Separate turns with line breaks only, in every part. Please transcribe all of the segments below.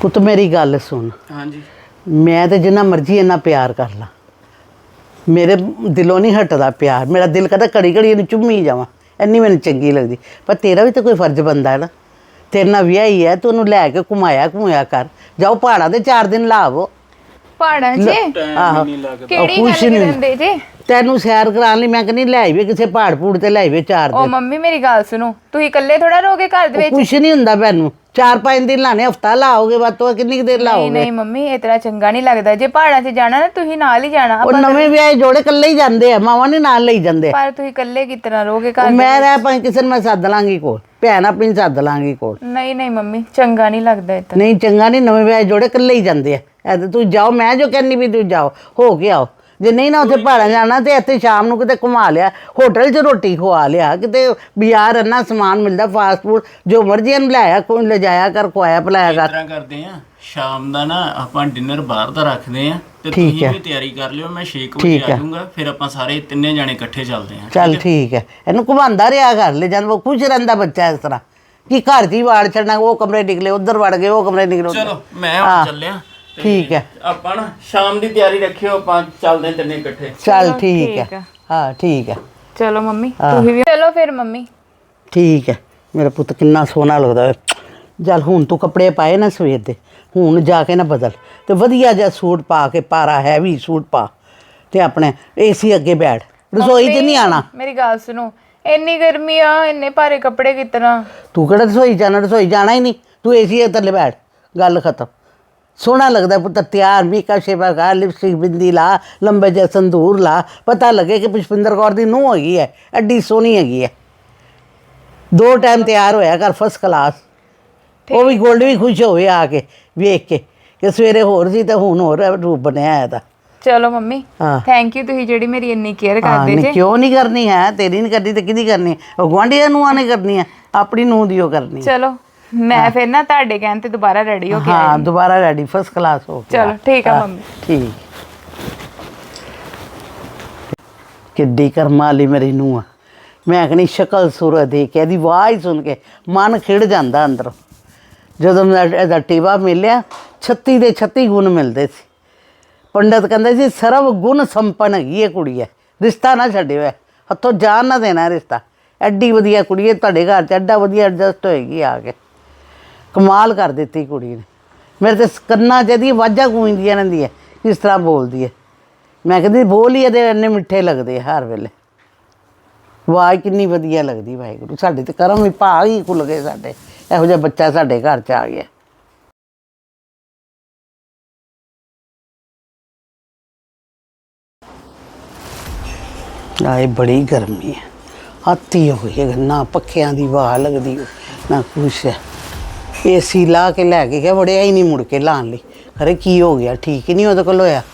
ਪੁੱਤ ਮੇਰੀ ਗੱਲ ਸੁਣ।
ਹਾਂਜੀ
ਮੈਂ ਤੇ ਜਿੰਨਾ ਮਰਜ਼ੀ ਇੰਨਾ ਪਿਆਰ ਕਰ ਲਾਂ, ਮੇਰੇ ਦਿਲੋਂ ਨਹੀਂ ਹਟਦਾ ਪਿਆਰ। ਮੇਰਾ ਦਿਲ ਕਰਦਾ ਘੜੀ ਘੜੀ ਇਹਨੂੰ ਚੁੰਮੀ ਜਾਵਾਂ, ਇੰਨੀ ਮੈਨੂੰ ਚੰਗੀ ਲੱਗਦੀ। ਪਰ ਤੇਰਾ ਵੀ ਤਾਂ ਕੋਈ ਫਰਜ਼ ਬਣਦਾ ਹੈ ਨਾ, ਤੇਰੇ ਨਾਲ ਵਿਆਹੀ ਹੈ, ਤੂੰ ਉਹਨੂੰ ਲੈ ਕੇ ਘੁਮਾਇਆ ਕਰ। ਜਾਓ ਪਹਾੜਾਂ ਦੇ 4 ਦਿਨ ਲਾਵੋ।
ਪਹਾੜਾਂ 'ਚ
ਆਹੋ
ਕਿਹੜੀ ਗੱਲ ਕਰਦੇ ਜੇ?
ਤੈਨੂੰ ਸੈਰ ਕਰਾਉਣ ਲਈ ਮੈਂ ਕਹਿੰਦੀ ਲੈ ਆਈਏ ਕਿਸੇ ਪਹਾੜ ਪੂੜ ਤੇ ਲੈ ਆਈਏ 4
ਉਹ
ਦਿਨ।
ਮੰਮੀ ਮੇਰੀ ਗੱਲ ਸੁਣੋ, ਤੁਸੀਂ ਇਕੱਲੇ ਥੋੜਾ ਰਹੋਗੇ ਘਰ ਦੇ ਵਿੱਚ?
ਕੁਛ ਨਹੀਂ ਹੁੰਦਾ ਮੈਨੂੰ, 4-5 ਦਿਨ ਲਾਣੇ, ਹਫਤਾ ਲਾਓਗੇ ਵੱਧ ਤੋਂ ਵੱਧ, ਕਿੰਨੀ ਕੁ ਦੇਰ ਲਾਓਗੇ?
ਨਹੀਂ ਮੰਮੀ ਇਹ ਤਰ੍ਹਾਂ ਚੰਗਾ ਨਹੀਂ ਲੱਗਦਾ। ਜੇ ਪਹਾੜਾਂ 'ਚ ਜਾਣਾ ਨਾ ਤੁਸੀਂ ਨਾਲ ਹੀ ਜਾਣਾ।
ਉਹ ਨਵੇਂ ਵਿਆਹੇ ਜੋੜੇ ਇਕੱਲੇ ਹੀ ਜਾਂਦੇ ਆ, ਮਾਵਾਂ ਨੇ ਨਾਲ ਲਈ ਜਾਂਦੇ ਆ।
ਪਰ ਤੁਸੀਂ ਇਕੱਲੇ ਕਿਸ ਤਰ੍ਹਾਂ ਰਹੋਗੇ ਘਰ?
ਮੈਂ ਰਹਿ ਭਾਵੇਂ ਕਿਸੇ ਨੂੰ ਮੈਂ ਸੱਦ ਲਾਂਗੀ ਕੋਲ, ਭੈਣ ਆਪਣੀ ਸੱਦ ਲਾਂਗੀ ਕੋਲ।
ਨਹੀਂ ਮੰਮੀ ਚੰਗਾ ਨਹੀਂ ਲੱਗਦਾ ਇਹ ਤਾਂ।
ਨਹੀਂ ਚੰਗਾ ਨਹੀਂ, ਨਵੇਂ ਵਿਆਹੇ ਜੋੜੇ ਇਕੱਲੇ ਹੀ ਜਾਂਦੇ ਆ। ਐ ਤੇ ਤੂੰ ਜਾਓ, ਮੈਂ ਜੋ ਕਹਿੰਦੀ ਵੀ ਤੂੰ ਜਾਓ, ਹੋ ਕੇ ਆਓ। ਜੇ ਨਹੀਂ ਨਾ ਉੱਥੇ ਪਹਾੜਾਂ ਜਾਣਾ ਤੇ ਇੱਥੇ ਸ਼ਾਮ ਨੂੰ ਕਿਤੇ ਘੁਮਾ ਲਿਆ, ਹੋਟਲ 'ਚ ਰੋਟੀ ਖਵਾ ਲਿਆ, ਕਿਤੇ ਬਾਜ਼ਾਰ ਇੰਨਾ ਸਮਾਨ ਮਿਲਦਾ ਫਾਸਟ ਫੂਡ, ਜੋ ਮਰਜ਼ੀ ਇਹਨੂੰ ਲਿਆਇਆ ਕੋਈ ਲਿਜਾਇਆ ਕਰ, ਖਵਾਇਆ ਪਿਲਾਇਆ ਕਰ।
ਇਸ ਤਰ੍ਹਾਂ ਕਰਦੇ ਆ, ਸ਼ਾਮ ਦਾ ਨਾ ਆਪਾਂ ਡਿਨਰ ਬਾਹਰ ਦਾ ਰੱਖਦੇ ਆ ਤੇ
ਠੀਕ
ਤੁਸੀਂ
ਹੈ।
ਵੀ ਤਿਆਰੀ ਕਰ ਲਿਓ। ਮੈਂ 6 ਵਜੇ ਆ ਜਾਊਂਗਾ, ਫਿਰ ਆਪਾਂ ਸਾਰੇ ਤਿੰਨੇ ਜਾਣੇ ਇਕੱਠੇ ਚੱਲਦੇ ਆ।
ਚੱਲ ਠੀਕ ਹੈ, ਇਹਨੂੰ ਘੁਮਾਉਂਦਾ ਰਿਹਾ ਕਰ, ਲੈ ਜਾਂਦਾ, ਉਹ ਖੁਸ਼ ਰਹਿੰਦਾ ਬੱਚਾ ਇਸ ਤਰ੍ਹਾਂ ਕਿ ਘਰ 'ਚ ਹੀ ਵਾੜ ਛੱਡਣਾ, ਉਹ ਕਮਰੇ ਨਿਕਲੇ ਉੱਧਰ ਵੜ ਗਏ, ਉਹ ਕਮਰੇ ਨਿਕਲੇ ਉੱਧਰ।
ਚਲੋ ਮੈਂ ਹੁਣ ਚੱਲਿਆ। ਤੇ
ਠੀਕ ਹੈ।
ਆਪਾਂ ਨਾ ਸ਼ਾਮ ਦੀ ਤਿਆਰੀ ਰੱਖਿਓ, ਆਪਾਂ ਚੱਲਦੇ ਹਾਂ ਤਿੰਨੇ ਇਕੱਠੇ।
ਚੱਲ ਠੀਕ ਹੈ, ਹਾਂ ਠੀਕ ਹੈ।
ਚਲੋ ਮੰਮੀ ਤੁਸੀਂ ਵੀ ਚਲੋ ਫਿਰ। ਮੰਮੀ
ਠੀਕ ਹੈ, ਮੇਰਾ ਪੁੱਤ ਕਿੰਨਾ ਸੋਹਣਾ ਲੱਗਦਾ ਹੈ। ਚੱਲ ਹੁਣ ਤੂੰ ਕੱਪੜੇ ਪਾਏ ਨਾ ਸਵੇਰ ਦੇ, ਹੁਣ ਜਾ ਕੇ ਨਾ ਬਦਲ ਤੇ ਵਧੀਆ ਜਿਹਾ ਸੂਟ ਪਾ ਕੇ, ਪਾਰਾ ਹੈਵੀ ਸੂਟ ਪਾ ਤੇ ਆਪਣੇ ਏਸੀ ਅੱਗੇ ਬੈਠ, ਰਸੋਈ 'ਚ ਨਹੀਂ ਆਣਾ।
ਮੇਰੀ ਗੱਲ ਸੁਣੋ, ਇੰਨੀ ਗਰਮੀ ਆ, ਇੰਨੇ ਭਾਰੇ ਕੱਪੜੇ ਕਿਸ ਤਰ੍ਹਾਂ?
ਤੂੰ ਕਿਹੜਾ ਰਸੋਈ ਜਾਣਾ, ਰਸੋਈ ਜਾਣਾ ਹੀ ਨਹੀਂ, ਤੂੰ ਏਸੀ ਥੱਲੇ ਬੈਠ, ਗੱਲ ਖਤਮ। ਸੋਹਣਾ ਲੱਗਦਾ ਪੁੱਤਰ, ਤਿਆਰ ਮੇਕਅਪ ਸ਼ੇਪਰ ਕਰ, ਲਿਪਸਟਿਕ ਬਿੰਦੀ ਲਾ, ਲੰਬੇ ਜਿਹੇ ਸੰਦੂਰ ਲਾ, ਪਤਾ ਲੱਗੇ ਕਿ ਪੁਸ਼ਪਿੰਦਰ ਕੌਰ ਦੀ ਨੂੰਹ ਹੈਗੀ ਹੈ, ਐਡੀ ਸੋਹਣੀ ਹੈਗੀ ਹੈ। 2 ਟਾਈਮ ਤਿਆਰ ਹੋਇਆ ਕਰ ਫਸਟ ਕਲਾਸ। ਉਹ ਵੀ ਗੋਲਡ ਵੀ ਖੁਸ਼ ਹੋਵੇ ਆ ਕੇ ਵੇਖ ਕੇ ਕਿ ਸਵੇਰੇ ਹੋਰ ਸੀ ਤੇ ਹੁਣ ਹੋਰ ਰੂਪ ਬਣਿਆ ਹੈ ਇਹਦਾ।
ਚਲੋ ਮੰਮੀ
ਹਾਂ
ਥੈਂਕ ਯੂ, ਤੁਸੀਂ ਜਿਹੜੀ ਮੇਰੀ ਇੰਨੀ ਕੇਅਰ
ਹਾਂ,
ਕਰਦੇ
ਨਹੀਂ
ਜੇ।
ਕਿਉਂ ਨਹੀਂ ਕਰਨੀ ਹੈ, ਤੇਰੀ ਨਹੀਂ ਕਰਨੀ ਤੇ ਕਿਹਦੀ ਕਰਨੀ? ਉਹ ਗੁਆਂਢੀਆਂ ਨੂੰਹਾਂ ਨੇ ਕਰਨੀ ਹੈ, ਆਪਣੀ ਨੂੰਹ ਦੀ ਉਹ ਕਰਨੀ ਹੈ।
ਚਲੋ ਮੈਂ ਫਿਰ ਨਾ ਤੁਹਾਡੇ ਕਹਿਣ ਤੇ ਦੁਬਾਰਾ ਰੈਡੀ ਹੋ ਕੇ
ਹਾਂ ਦੁਬਾਰਾ ਰੈਡੀ ਫਸਟ ਕਲਾਸ ਹੋ ਕੇ।
ਚਲੋ ਠੀਕ ਆ ਮੰਮੀ।
ਠੀਕ। ਕਿੱਡੀ ਕਰਮਾਂ ਵਾਲੀ ਮੇਰੀ ਨੂੰਹ ਆ। ਮੈਂ ਕਹਿੰਦੀ ਸ਼ਕਲ ਸੂਰਤ ਦੇਖ ਕੇ, ਇਹਦੀ ਆਵਾਜ਼ ਸੁਣ ਕੇ ਮਨ ਖਿੜ ਜਾਂਦਾ ਅੰਦਰੋਂ। ਜਦੋਂ ਮੈਂ ਇਹਦਾ ਟੀਵਾ ਮਿਲਿਆ, 36 ਦੇ 36 ਗੁਣ ਮਿਲਦੇ ਸੀ। ਪੰਡਤ ਕਹਿੰਦੇ ਸੀ ਸਰਵ ਗੁਣ ਸੰਪੰਨ ਹੈਗੀ ਇਹ ਕੁੜੀ ਹੈ, ਰਿਸ਼ਤਾ ਨਾ ਛੱਡਿਓ, ਹੱਥੋਂ ਜਾਨ ਨਾ ਦੇਣਾ ਰਿਸ਼ਤਾ। ਐਡੀ ਵਧੀਆ ਕੁੜੀ ਹੈ, ਤੁਹਾਡੇ ਘਰ 'ਚ ਐਡਾ ਵਧੀਆ ਐਡਜਸਟ ਹੋਏਗੀ ਆ ਕੇ। ਕਮਾਲ ਕਰ ਦਿੱਤੀ ਕੁੜੀ ਨੇ। ਮੇਰੇ ਤੇ ਕੰਨਾਂ 'ਚ ਇਹਦੀ ਆਵਾਜ਼ਾਂ ਗੂੰਜਦੀਆਂ ਰਹਿੰਦੀਆਂ, ਕਿਸ ਤਰ੍ਹਾਂ ਬੋਲਦੀ ਹੈ। ਮੈਂ ਕਹਿੰਦੀ ਬੋਲ ਹੀ ਇਹਦੇ ਇੰਨੇ ਮਿੱਠੇ ਲੱਗਦੇ ਆ ਹਰ ਵੇਲੇ, ਆਵਾਜ਼ ਕਿੰਨੀ ਵਧੀਆ ਲੱਗਦੀ। ਵਾਹਿਗੁਰੂ ਸਾਡੇ ਤੇ ਕਰਮ ਵੀ ਭਾਗ ਹੀ ਖੁੱਲ੍ਹ ਗਏ, ਸਾਡੇ ਇਹੋ ਜਿਹਾ ਬੱਚਾ ਸਾਡੇ ਘਰ 'ਚ ਆ ਗਿਆ। ਆਏ ਬੜੀ ਗਰਮੀ ਹੈ, ਹੱਥੀ ਹੋਈ ਹੈ, ਨਾ ਪੱਖਿਆਂ ਦੀ ਹਵਾ ਲੱਗਦੀ ਨਾ ਕੁਛ ਹੈ। ਏਸੀ ਲਾ ਕੇ ਲੈ ਕੇ ਗਿਆ, ਵੜਿਆ ਹੀ ਨਹੀਂ ਮੁੜ ਕੇ ਲਾਉਣ ਲਈ। ਅਰੇ ਕੀ ਹੋ ਗਿਆ, ਠੀਕ ਹੀ ਨਹੀਂ ਉਹਦੇ ਕੋਲ ਹੋਇਆ।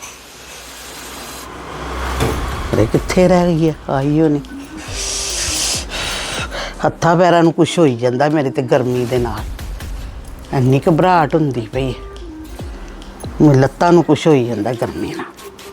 ਅਰੇ ਕਿੱਥੇ ਰਹਿ ਗਈ ਹੈ, ਆਈ ਹੋ ਨਹੀਂ। ਹੱਥਾਂ ਪੈਰਾਂ ਨੂੰ ਕੁਛ ਹੋਈ ਜਾਂਦਾ ਮੇਰੇ ਤੇ ਗਰਮੀ ਦੇ ਨਾਲ, ਇੰਨੀ ਘਬਰਾਹਟ ਹੁੰਦੀ ਪਈ, ਮੇਰੇ ਲੱਤਾਂ ਨੂੰ ਕੁਛ ਹੋਈ ਜਾਂਦਾ ਗਰਮੀ ਨਾਲ।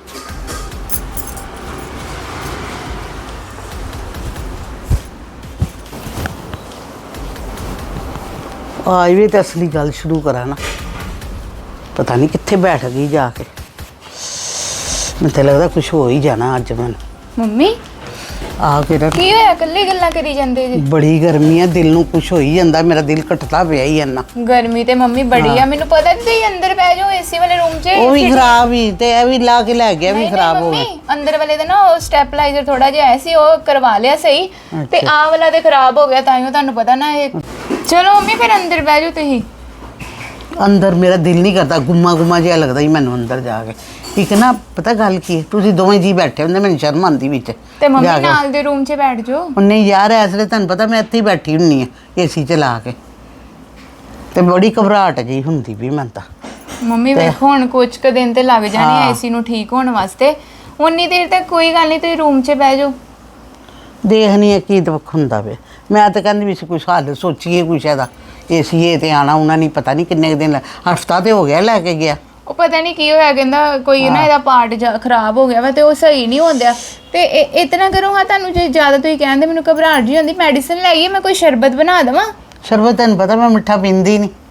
ਆਜ ਵੀ ਤਾਂ ਅਸਲੀ ਗੱਲ ਸ਼ੁਰੂ ਕਰਾਂ ਨਾ, ਪਤਾ ਨਹੀਂ ਕਿੱਥੇ ਬੈਠ ਗਈ ਜਾ ਕੇ। ਮੈਨੂੰ ਤਾਂ ਲੱਗਦਾ ਕੁਛ ਹੋ ਹੀ ਜਾਣਾ ਅੱਜ ਮੈਨੂੰ।
ਮੰਮੀ
ਆ ਕੇ
ਕੀ ਹੋਇਆ, ਇਕੱਲੇ ਗੱਲਾਂ ਕਰੀ ਜਾਂਦੇ ਜੀ?
ਬੜੀ ਗਰਮੀ ਆ, ਦਿਲ ਨੂੰ ਕੁਛ ਹੋ ਹੀ ਜਾਂਦਾ, ਮੇਰਾ ਦਿਲ ਘਟਦਾ ਪਿਆ ਹੀ ਇੰਨਾ।
ਗਰਮੀ ਤੇ ਮੰਮੀ ਬੜੀ ਆ, ਮੈਨੂੰ ਪਤਾ ਤੁਸੀਂ ਅੰਦਰ ਬਹਿ ਜਾਓ ਏਸੀ ਵਾਲੇ ਰੂਮ 'ਚ।
ਉਹ ਵੀ ਖਰਾਬ ਹੀ ਤੇ ਇਹ ਵੀ ਲਾ ਕੇ ਲੈ ਗਿਆ, ਵੀ ਖਰਾਬ ਹੋ ਗਿਆ।
ਮੰਮੀ ਅੰਦਰ ਵਾਲੇ ਦਾ ਨਾ ਉਹ ਸਟੈਪਲਾਈਜ਼ਰ ਥੋੜਾ ਜਿਹਾ ਆਇਆ ਸੀ, ਉਹ ਕਰਵਾ ਲਿਆ ਸਹੀ, ਤੇ ਆਹ ਵਾਲਾ ਤੇ ਖਰਾਬ ਹੋ ਗਿਆ, ਤਾਂ ਹੀ ਤੁਹਾਨੂੰ ਪਤਾ ਨਾ ਇਹ। ਚਲੋ ਮੰਮੀ ਫਿਰ ਅੰਦਰ ਬਹਿ ਜਾਓ ਤੁਸੀਂ।
ਅੰਦਰ ਮੇਰਾ ਦਿਲ ਨਹੀਂ ਕਰਦਾ, ਗੁੰਮਾ ਜਿਹਾ ਲੱਗਦਾ ਹੀ ਮੈਨੂੰ ਅੰਦਰ ਜਾ ਕੇ। ਇੱਕ ਨਾ ਪਤਾ ਗੱਲ ਕੀ ਹੈ, ਤੁਸੀਂ ਦੋਵੇਂ ਜੀ ਬੈਠੇ ਹੁੰਦੇ, ਮੈਨੂੰ ਸ਼ਰਮ ਆਉਂਦੀ ਵਿੱਚ
ਤੇ ਮੰਮੀ ਨਾਲ ਦੇ ਰੂਮ 'ਚ ਬੈਠ ਜਾਓ।
ਨਹੀਂ ਯਾਰ, ਇਸ ਵੇਲੇ ਤੁਹਾਨੂੰ ਪਤਾ ਮੈਂ ਇੱਥੇ ਹੀ ਬੈਠੀ ਹੁੰਨੀ ਆ ਏਸੀ ਚਲਾ ਕੇ, ਤੇ ਬੜੀ ਘਬਰਾਹਟ ਜਿਹੀ ਹੁੰਦੀ ਵੀ ਮੈਨੂੰ ਤਾਂ।
ਮੰਮੀ ਵੇਖੋ ਹੁਣ ਕੁਝ ਕੁ ਦਿਨ ਤੇ ਲੱਗ ਜਾਣੇ ਏਸੀ ਨੂੰ ਠੀਕ ਹੋਣ ਵਾਸਤੇ, ਉਨੀ ਦੇਰ ਤੱਕ ਕੋਈ ਗੱਲ ਨਹੀਂ, ਤੁਸੀਂ ਰੂਮ 'ਚ ਬਹਿ ਜਾਓ।
ਦੇਖਣੀ ਹੈ ਕੀ ਦੁੱਖ ਹੁੰਦਾ ਵੇ। ਮੈਂ ਤਾਂ ਕਹਿੰਦੀ ਵੀ ਕੁਛ ਹੱਲ ਸੋਚੀਏ ਕੁਛ ਇਹਦਾ। ਏਸੀ ਇਹ ਤੇ ਆਉਣਾ ਉਹਨਾਂ ਨਹੀਂ ਪਤਾ ਨਹੀਂ ਕਿੰਨੇ ਦਿਨ, ਹਫ਼ਤਾ ਤੇ ਹੋ ਗਿਆ ਲੈ ਕੇ ਗਿਆ।
ਉਹ ਪਤਾ ਨਹੀਂ ਕੀ ਹੋਇਆ, ਕਹਿੰਦਾ ਕੋਈ ਨਾ ਇਹਦਾ ਪਾਰਟ ਖਰਾਬ ਹੋ ਗਿਆ ਵਾ ਤੇ ਉਹ ਸਹੀ ਨਹੀਂ ਹੁੰਦਾ। ਤੇ ਇਤਨਾ ਕਰੋ ਹਾਂ, ਤੁਹਾਨੂੰ ਜੇ ਜ਼ਿਆਦਾ ਤੁਸੀਂ ਕਹਿੰਦੇ ਮੈਨੂੰ ਘਬਰਾਹਟ ਜੀ ਹੁੰਦੀ, ਮੈਡੀਸਨ ਲੈ ਆਈਏ, ਮੈਂ ਕੋਈ ਸ਼ਰਬਤ ਬਣਾ ਦੇਵਾਂ?
ਸ਼ਰਬਤ ਤੈਨੂੰ ਪਤਾ ਮੈਂ ਮਿੱਠਾ ਪੀਂਦੀ ਨਹੀਂ,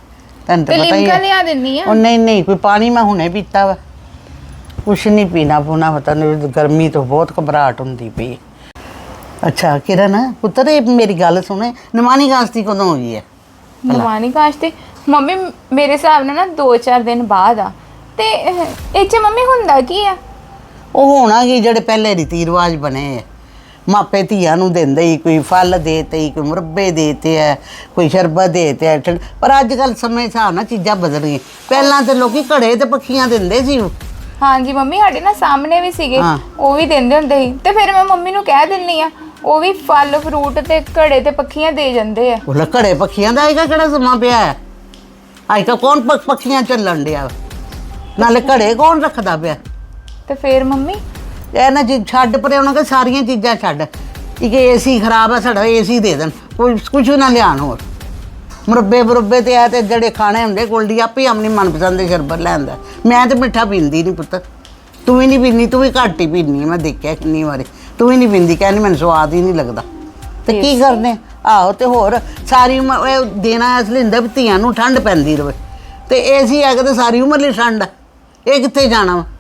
ਤੈਨੂੰ
ਤੇ
ਤਾਂ ਪਤਾ ਹੀ
ਲਿਮਕਾ
ਹੈ।
ਲਿਆ ਦਿੰਨੀ ਆ।
ਉਹ ਨਹੀਂ ਕੋਈ ਪਾਣੀ ਮੈਂ ਹੁਣੇ ਪੀਤਾ ਵਾ, ਕੁਛ ਨਹੀਂ ਪੀਣਾ ਪੂਣਾ, ਪਤਾ ਨਹੀਂ ਗਰਮੀ ਤੋਂ ਬਹੁਤ ਘਬਰਾਹਟ ਹੁੰਦੀ ਪਈ। ਅੱਛਾ ਕਿਰਨ ਪੁੱਤਰ, ਇਹ ਮੇਰੀ ਗੱਲ ਸੁਣੇ, ਨਿਮਾਣੀ ਕਾਸ਼ਤੀ ਕਦੋਂ ਹੋਈ ਹੈ?
ਨਮਾਨੀ ਕਾਸ਼ਤੀ ਮੰਮੀ ਮੇਰੇ ਹਿਸਾਬ ਨਾਲ ਨਾ 2-4 ਦਿਨ ਬਾਅਦ ਆ। ਤੇ ਇਹ 'ਚ ਮੰਮੀ ਹੁੰਦਾ ਕੀ ਆ?
ਉਹ ਹੋਣਾ ਕਿ ਜਿਹੜੇ ਪਹਿਲੇ ਰੀਤੀ ਰਿਵਾਜ ਬਣੇ ਆ, ਮਾਪੇ ਧੀਆਂ ਨੂੰ ਦਿੰਦੇ ਹੀ, ਕੋਈ ਫਲ ਦੇਤੇ, ਕੋਈ ਮੁਰੱਬੇ ਦੇਤੇ ਹੈ, ਕੋਈ ਸ਼ਰਬਤ ਦੇਤੇ ਹੈ। ਪਰ ਅੱਜ ਕੱਲ ਸਮੇਂ ਹਿਸਾਬ ਨਾਲ ਚੀਜ਼ਾਂ ਬਦਲ ਗਈਆਂ। ਪਹਿਲਾਂ ਤੇ ਲੋਕੀ ਘੜੇ ਤੇ ਪੱਖੀਆਂ ਦਿੰਦੇ ਸੀ।
ਹਾਂਜੀ ਮੰਮੀ ਸਾਡੇ ਨਾ ਸਾਹਮਣੇ ਵੀ ਸੀਗੇ,
ਹਾਂ।
ਉਹ ਵੀ ਦਿੰਦੇ ਹੁੰਦੇ ਸੀ। ਤੇ ਫਿਰ ਮੈਂ ਮੰਮੀ ਨੂੰ ਕਹਿ ਦਿੰਨੀ ਆ, ਉਹ ਵੀ ਫਲ ਫਰੂਟ ਤੇ ਘੜੇ ਤੇ ਪੱਖੀਆਂ ਦੇ ਜਾਂਦੇ ਆ।
ਉਹ ਘੜੇ ਪੱਖੀਆਂ ਦਾ ਆਏਗਾ ਕਿਹੜਾ ਸਮਾਂ ਪਿਆ ਹੈ? ਅੱਜ ਕੱਲ੍ਹ ਕੌਣ ਪੱਖੀਆਂ ਚੱਲਣ ਡਿਆ? ਨਾਲੇ ਘੜੇ ਕੌਣ ਰੱਖਦਾ ਪਿਆ?
ਤੇ ਫਿਰ ਮੰਮੀ
ਇਹ ਨਾ ਜੀ ਛੱਡ ਪਰੇ, ਉਹਨਾਂ ਕੇ ਸਾਰੀਆਂ ਚੀਜ਼ਾਂ ਛੱਡ। ਇੱਕ ਏਸੀ ਖਰਾਬ ਆ ਸਾਡਾ, ਏਸੀ ਦੇ ਦੇਣ, ਕੋਈ ਕੁਛ ਨਾ ਲਿਆਉਣ ਹੋਰ। ਮੁਰੱਬੇ ਤੇ ਆ ਤੇ ਜਿਹੜੇ ਖਾਣੇ ਹੁੰਦੇ ਗੋਲਡੀ ਆਪੇ ਆਪਣੀ ਮਨਪਸੰਦ ਦੇ ਸ਼ਰਬਤ ਲੈਂਦਾ। ਮੈਂ ਤੇ ਮਿੱਠਾ ਪੀਂਦੀ ਨਹੀਂ ਪੁੱਤ, ਤੂੰ ਵੀ ਨਹੀਂ ਪੀਂਦੀ, ਤੂੰ ਵੀ ਘੱਟ ਹੀ ਪੀਂਦੀ, ਮੈਂ ਦੇਖਿਆ ਕਿੰਨੀ ਵਾਰੀ ਤੂੰ ਵੀ ਨਹੀਂ ਪੀਂਦੀ, ਕਹਿੰਦੀ ਮੈਨੂੰ ਸਵਾਦ ਹੀ ਨਹੀਂ ਲੱਗਦਾ। ਤੇ ਕੀ ਕਰਨੇ? ਆਹੋ ਤੇ ਹੋਰ ਸਾਰੀ ਉਮਰ ਇਹ ਦੇਣਾ ਇਸ ਲਈ ਹੁੰਦਾ ਵੀ ਧੀਆਂ ਨੂੰ ਠੰਡ ਪੈਂਦੀ ਰਵੇ, ਤੇ ਏਸੀ ਹੈਗਾ ਤੇ ਸਾਰੀ ਉਮਰ ਲਈ ਠੰਡ ਆ, ਇਹ ਕਿੱਥੇ ਜਾਣਾ ਵਾ?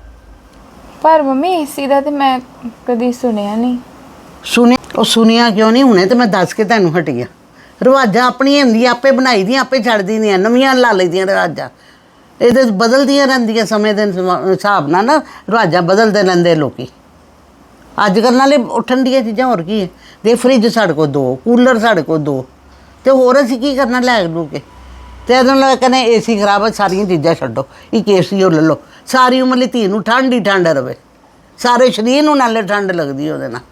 ਪਰ ਮੰਮੀ ਏਸੀ ਦਾ ਤੇ ਮੈਂ ਕਦੀ ਸੁਣਿਆ ਨਹੀਂ।
ਸੁਣਿਆ ਕਿਉਂ ਨਹੀਂ? ਹੁਣੇ ਤੇ ਮੈਂ ਦੱਸ ਕੇ ਤੈਨੂੰ ਹਟੀ ਆ। ਰਿਵਾਜ਼ਾਂ ਆਪਣੀਆਂ ਹੁੰਦੀਆਂ, ਆਪੇ ਬਣਾਈ ਦੀਆਂ, ਆਪੇ ਛੱਡਦੀ ਦੀਆਂ, ਨਵੀਆਂ ਲਾ ਲਈਆਂ ਰਿਵਾਜ਼ਾਂ। ਇਹਦੇ ਬਦਲਦੀਆਂ ਰਹਿੰਦੀਆਂ ਸਮੇਂ ਦੇ ਹਿਸਾਬ ਨਾਲ ਨਾ, ਰਿਵਾਜ਼ਾਂ ਬਦਲਦੇ ਰਹਿੰਦੇ ਲੋਕੀ। ਅੱਜ ਕੱਲ੍ਹ ਨਾਲੇ ਉੱਠਣ ਦੀਆਂ ਚੀਜ਼ਾਂ ਹੋਰ ਕੀ ਹੈ? ਦੇ ਫਰਿੱਜ ਸਾਡੇ ਕੋਲ 2, ਕੂਲਰ ਸਾਡੇ ਕੋਲ 2, ਤੇ ਹੋਰ ਅਸੀਂ ਕੀ ਕਰਨਾ ਲੈ ਲੂ ਕੇ? ਤੇ ਇਹਦੇ ਨਾਲ ਕਹਿੰਦੇ ਏਸੀ ਖਰਾਬ ਹੈ, ਸਾਰੀਆਂ ਚੀਜ਼ਾਂ ਛੱਡੋ, ਇੱਕ ਏਸੀ ਉਹ ਲੈ ਲਓ, ਸਾਰੀ ਉਮਰ ਲਈ ਧੀ ਨੂੰ ਠੰਡ ਹੀ ਠੰਡ ਰਵੇ, ਸਾਰੇ ਸਰੀਰ ਨੂੰ ਨਾਲੇ ਠੰਡ ਲੱਗਦੀ ਉਹਦੇ ਨਾਲ।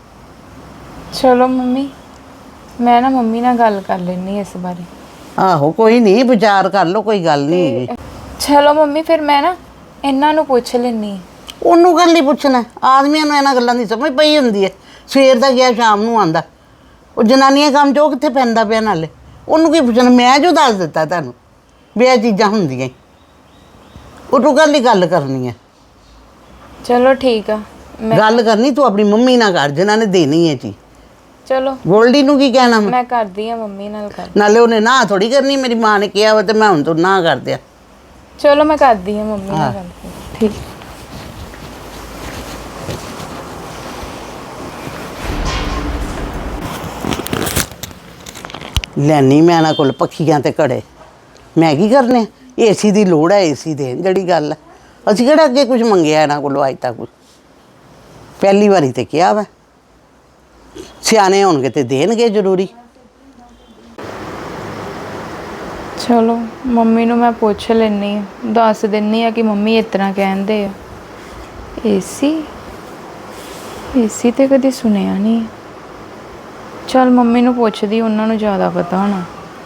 ਚਲੋ ਮੰਮੀ ਮੈਂ ਨਾ ਮੰਮੀ ਨਾਲ ਗੱਲ ਕਰ ਲੈਣੀ ਇਸ ਬਾਰੇ।
ਆਹੋ ਕੋਈ ਨਹੀਂ, ਵਿਚਾਰ ਕਰ ਲਓ, ਕੋਈ ਗੱਲ ਨਹੀਂ ਹੈਗੀ।
ਚਲੋ ਮੰਮੀ ਫਿਰ ਮੈਂ ਨਾ ਇਹਨਾਂ ਨੂੰ ਪੁੱਛ ਲੈਣੀ।
ਉਹਨੂੰ ਗੱਲ ਨਹੀਂ ਪੁੱਛਣਾ, ਆਦਮੀਆਂ ਨੂੰ ਇਹਨਾਂ ਗੱਲਾਂ ਦੀ ਸਮਝ ਪਈ ਹੁੰਦੀ ਹੈ। ਸਵੇਰ ਦਾ ਗਿਆ ਸ਼ਾਮ ਨੂੰ ਆਂਦਾ, ਉਹ ਜਨਾਨੀਆਂ ਕੰਮ 'ਚ ਉਹ ਕਿੱਥੇ ਪੈਂਦਾ ਪਿਆ? ਨਾਲੇ ਉਹਨੂੰ ਕੀ ਪੁੱਛਣਾ? ਮੈਂ ਜੋ ਦੱਸ ਦਿੱਤਾ ਤੁਹਾਨੂੰ ਵੀ ਇਹ ਚੀਜ਼ਾਂ ਹੁੰਦੀਆਂ, ਉਹਨੂੰ ਗੱਲ ਹੀ ਗੱਲ ਕਰਨੀ ਹੈ।
ਚਲੋ ਠੀਕ ਆ, ਮੈਂ
ਗੱਲ ਕਰਨੀ ਤੂੰ ਆਪਣੀ ਮੰਮੀ ਨਾਲ ਕਰ, ਜਿਨ੍ਹਾਂ ਨੇ ਦੇਣੀ ਹੈ ਚੀਜ਼।
ਚਲੋ
ਗੋਲਡੀ ਨੂੰ ਕੀ ਕਹਿਣਾ ਮੈਂ?
ਮੈਂ ਕਰਦੀ ਆ ਮੰਮੀ ਨਾਲ ਗੱਲ।
ਨਾਲੇ ਉਹਨੇ ਨਾ ਥੋੜੀ ਕਰਨੀ, ਮੇਰੀ ਮਾਂ ਨੇ ਕਿਹਾ ਵਾ ਤੇ ਮੈਂ ਹੁਣ ਤੋਂ ਨਾ ਕਰ ਦਿਆ।
ਚਲੋ ਮੈਂ ਕਰਦੀ ਆ ਮੰਮੀ ਨਾਲ ਗੱਲ ਫਿਰ। ਠੀਕ।
ਲੈਣੀ ਮੈਂ ਇਹਨਾਂ ਕੋਲ ਪੱਖੀਆਂ ਤੇ ਘੜੇ, ਮੈਂ ਕੀ ਕਰਨੇ? ਏਸੀ ਦੀ ਲੋੜ ਹੈ, ਏਸੀ ਦੇਣ ਜਿਹੜੀ ਗੱਲ ਹੈ। ਅਸੀਂ ਕਿਹੜਾ ਅੱਗੇ ਕੁਝ ਮੰਗਿਆ ਇਹਨਾਂ ਕੋਲੋਂ ਅੱਜ ਤੱਕ? ਪਹਿਲੀ ਵਾਰੀ ਤੇ ਕਿਹਾ ਵਾ, ਸਿਆਣੇ ਹੋਣਗੇ ਤੇ ਦੇਣਗੇ ਜ਼ਰੂਰੀ।
ਚਲੋ ਮੰਮੀ ਨੂੰ ਮੈਂ ਪੁੱਛ ਲੈਣੀ ਆ, ਦੱਸ ਦਿੰਨੀ ਆ ਕਿ ਮੰਮੀ ਇਸ ਤਰ੍ਹਾਂ ਕਹਿੰਦੇ ਆ। ਏਸੀ ਤੇ ਕਦੀ ਸੁਣਿਆ ਨਹੀਂ। ਚਲ ਮੰਮੀ ਨੂੰ ਪੁੱਛਦੀ, ਉਹਨਾਂ ਨੂੰ ਜ਼ਿਆਦਾ ਪਤਾ ਹੋਣਾ।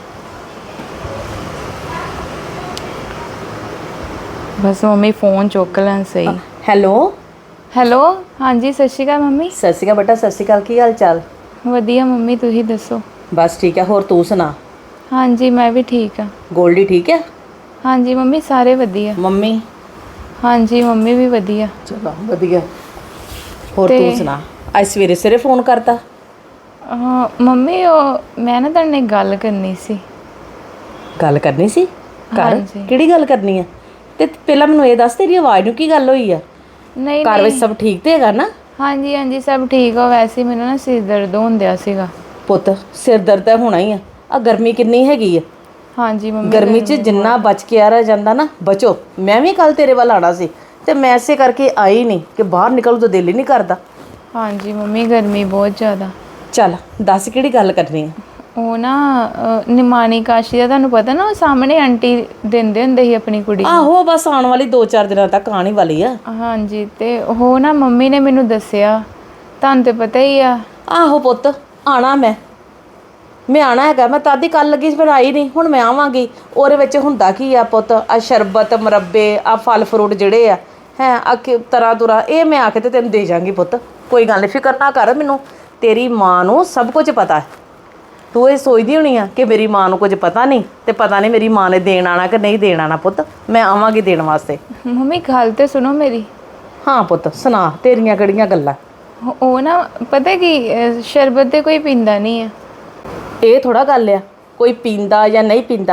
ਬਸ ਮੰਮੀ ਫੋਨ ਚੁੱਕ ਲੈਣ ਸਹੀ।
ਹੈਲੋ
ਹੈਲੋ ਹਾਂਜੀ ਸਤਿ ਸ਼੍ਰੀ ਅਕਾਲ ਮੰਮੀ।
ਸਤਿ ਸ਼੍ਰੀ ਅਕਾਲ ਬੇਟਾ, ਸਤਿ ਸ਼੍ਰੀ ਅਕਾਲ। ਕੀ ਹਾਲ ਚਾਲ?
ਵਧੀਆ ਮੰਮੀ, ਤੁਸੀਂ ਦੱਸੋ?
ਬਸ ਠੀਕ ਹੈ। ਹੋਰ ਤੂੰ ਸੁਣਾ?
ਹਾਂਜੀ ਮੈਂ ਵੀ ਠੀਕ ਆ।
ਗੋਲਡੀ ਠੀਕ ਹੈ?
ਹਾਂਜੀ ਮੰਮੀ ਸਾਰੇ ਵਧੀਆ।
ਮੰਮੀ?
ਹਾਂਜੀ ਮੰਮੀ ਵੀ ਵਧੀਆ।
ਚਲੋ ਵਧੀਆ। ਹੋਰ
ਤੇ-
ਤੂੰ ਸੁਣਾ? ਅੱਜ ਸਵੇਰੇ ਸਵੇਰੇ ਫੋਨ ਕਰਤਾ?
ਹਾਂ ਮੰਮੀ ਉਹ ਮੈਂ ਨਾ ਤੁਹਾਡੇ ਨਾਲ ਇੱਕ ਗੱਲ ਕਰਨੀ ਸੀ।
ਗੱਲ ਕਰਨੀ ਸੀ? ਕਰ।
ਹਾਂਜੀ।
ਕਿਹੜੀ ਗੱਲ ਕਰਨੀ ਹੈ? ਤੇ ਪਹਿਲਾਂ ਮੈਨੂੰ ਇਹ ਦੱਸ, ਤੇਰੀ ਆਵਾਜ਼ ਨੂੰ ਕੀ ਗੱਲ ਹੋਈ ਆ?
ਨਹੀਂ
ਘਰ ਵਿੱਚ
ਨਹੀਂ
ਸਭ ਠੀਕ ਤੇ ਹੈਗਾ ਨਾ?
ਹਾਂਜੀ ਹਾਂਜੀ ਸਭ ਠੀਕ ਆ। ਵੈਸੇ ਹੀ ਮੈਨੂੰ ਨਾ ਸਿਰ ਦਰਦ ਹੁੰਦਿਆ ਸੀਗਾ।
ਪੁੱਤ ਸਿਰ ਦਰਦ ਤਾਂ ਹੋਣਾ ਹੀ ਆ ਗਰਮੀ ਕਿੰਨੀ ਹੈਗੀ ਆ।
ਹਾਂਜੀ ਮੰਮੀ
ਗਰਮੀ 'ਚ ਜਿੰਨਾ ਬਚ ਕੇ ਆ ਰਿਹਾ ਜਾਂਦਾ ਨਾ, ਬਚੋ। ਮੈਂ ਵੀ ਕੱਲ ਤੇਰੇ ਵੱਲ ਆਣਾ ਸੀ ਤੇ ਮੈਂ ਇਸੇ ਕਰਕੇ ਆਈ ਨਹੀਂ ਕਿ ਬਾਹਰ ਨਿਕਲੂ ਤਾਂ ਦਿਲ ਹੀ ਨਹੀਂ ਕਰਦਾ।
ਹਾਂਜੀ ਮੰਮੀ ਗਰਮੀ ਬਹੁਤ ਜ਼ਿਆਦਾ।
ਚੱਲ ਦੱਸ ਕਿਹੜੀ ਗੱਲ ਕਰਨੀ ਹੈ?
ਉਹ ਨਾ ਨਿਮਾਣੀ ਕਾਸ਼ੀ ਦਾ ਤੁਹਾਨੂੰ ਪਤਾ ਨਾ, ਉਹ ਸਾਹਮਣੇ ਆਂਟੀ ਦਿੰਦੇ ਹੁੰਦੇ ਸੀ ਆਪਣੀ ਕੁੜੀ ਨੂੰ।
ਆਹੋ ਬਸ ਆਉਣ ਵਾਲੀ 2-4 ਦਿਨਾਂ ਤੱਕ ਆਉਣ ਹੀ ਵਾਲੀ ਆ।
ਹਾਂਜੀ ਤੇ ਉਹ ਨਾ ਮੰਮੀ ਨੇ ਮੈਨੂੰ ਦੱਸਿਆ, ਤੁਹਾਨੂੰ ਤੇ ਪਤਾ ਹੀ ਆ।
ਆਹੋ ਪੁੱਤ ਆਣਾ ਮੈਂ ਆਣਾ ਹੈਗਾ। ਮੈਂ ਤਦ ਹੀ ਕੱਲ ਲੱਗੀ ਸੀ, ਫਿਰ ਆਈ ਨਹੀਂ। ਹੁਣ ਮੈਂ ਆਵਾਂਗੀ। ਉਹਦੇ ਵਿੱਚ ਹੁੰਦਾ ਕੀ ਆ ਪੁੱਤ? ਆ ਸ਼ਰਬਤ, ਮੁਰੱਬੇ, ਆ ਫਲ ਫਰੂਟ ਜਿਹੜੇ ਆ ਆ ਤਰ੍ਹਾਂ ਤੁਰਾ, ਇਹ ਮੈਂ ਆ ਕੇ ਤੇ ਤੈਨੂੰ ਦੇ ਜਾਵਾਂਗੀ ਪੁੱਤ। ਕੋਈ ਗੱਲ ਨਹੀਂ, ਫਿਕਰ ਨਾ ਕਰ। ਮੈਨੂੰ ਤੇਰੀ ਮਾਂ ਨੂੰ ਸਭ ਕੁਝ ਪਤਾ ਹੈ। ਤੂੰ ਇਹ ਸੋਚਦੀ ਹੋਣੀ ਆ ਕਿ ਮੇਰੀ ਮਾਂ ਨੂੰ ਕੁਝ ਪਤਾ ਨਹੀਂ, ਤੇ ਪਤਾ ਨਹੀਂ ਮੇਰੀ ਮਾਂ ਨੇ ਦੇਣ ਆਣਾ ਕਿ ਨਹੀਂ ਦੇਣ ਆਣਾ। ਪੁੱਤ ਮੈਂ ਆਵਾਂਗੀ ਦੇਣ ਵਾਸਤੇ।
ਮੰਮੀ ਗੱਲ ਤੇ ਸੁਣੋ ਮੇਰੀ।
ਹਾਂ ਪੁੱਤ ਸੁਣਾ, ਤੇਰੀਆਂ ਕਿਹੜੀਆਂ ਗੱਲਾਂ?
ਉਹ ਨਾ ਪਤਾ ਕੀ, ਸ਼ਰਬਤ ਤੇ ਕੋਈ ਪੀਂਦਾ ਨਹੀਂ ਆ।
ਇਹ ਥੋੜਾ ਗੱਲ ਆ ਕੋਈ ਪੀਂਦਾ ਜਾਂ ਨਹੀਂ ਪੀਂਦਾ।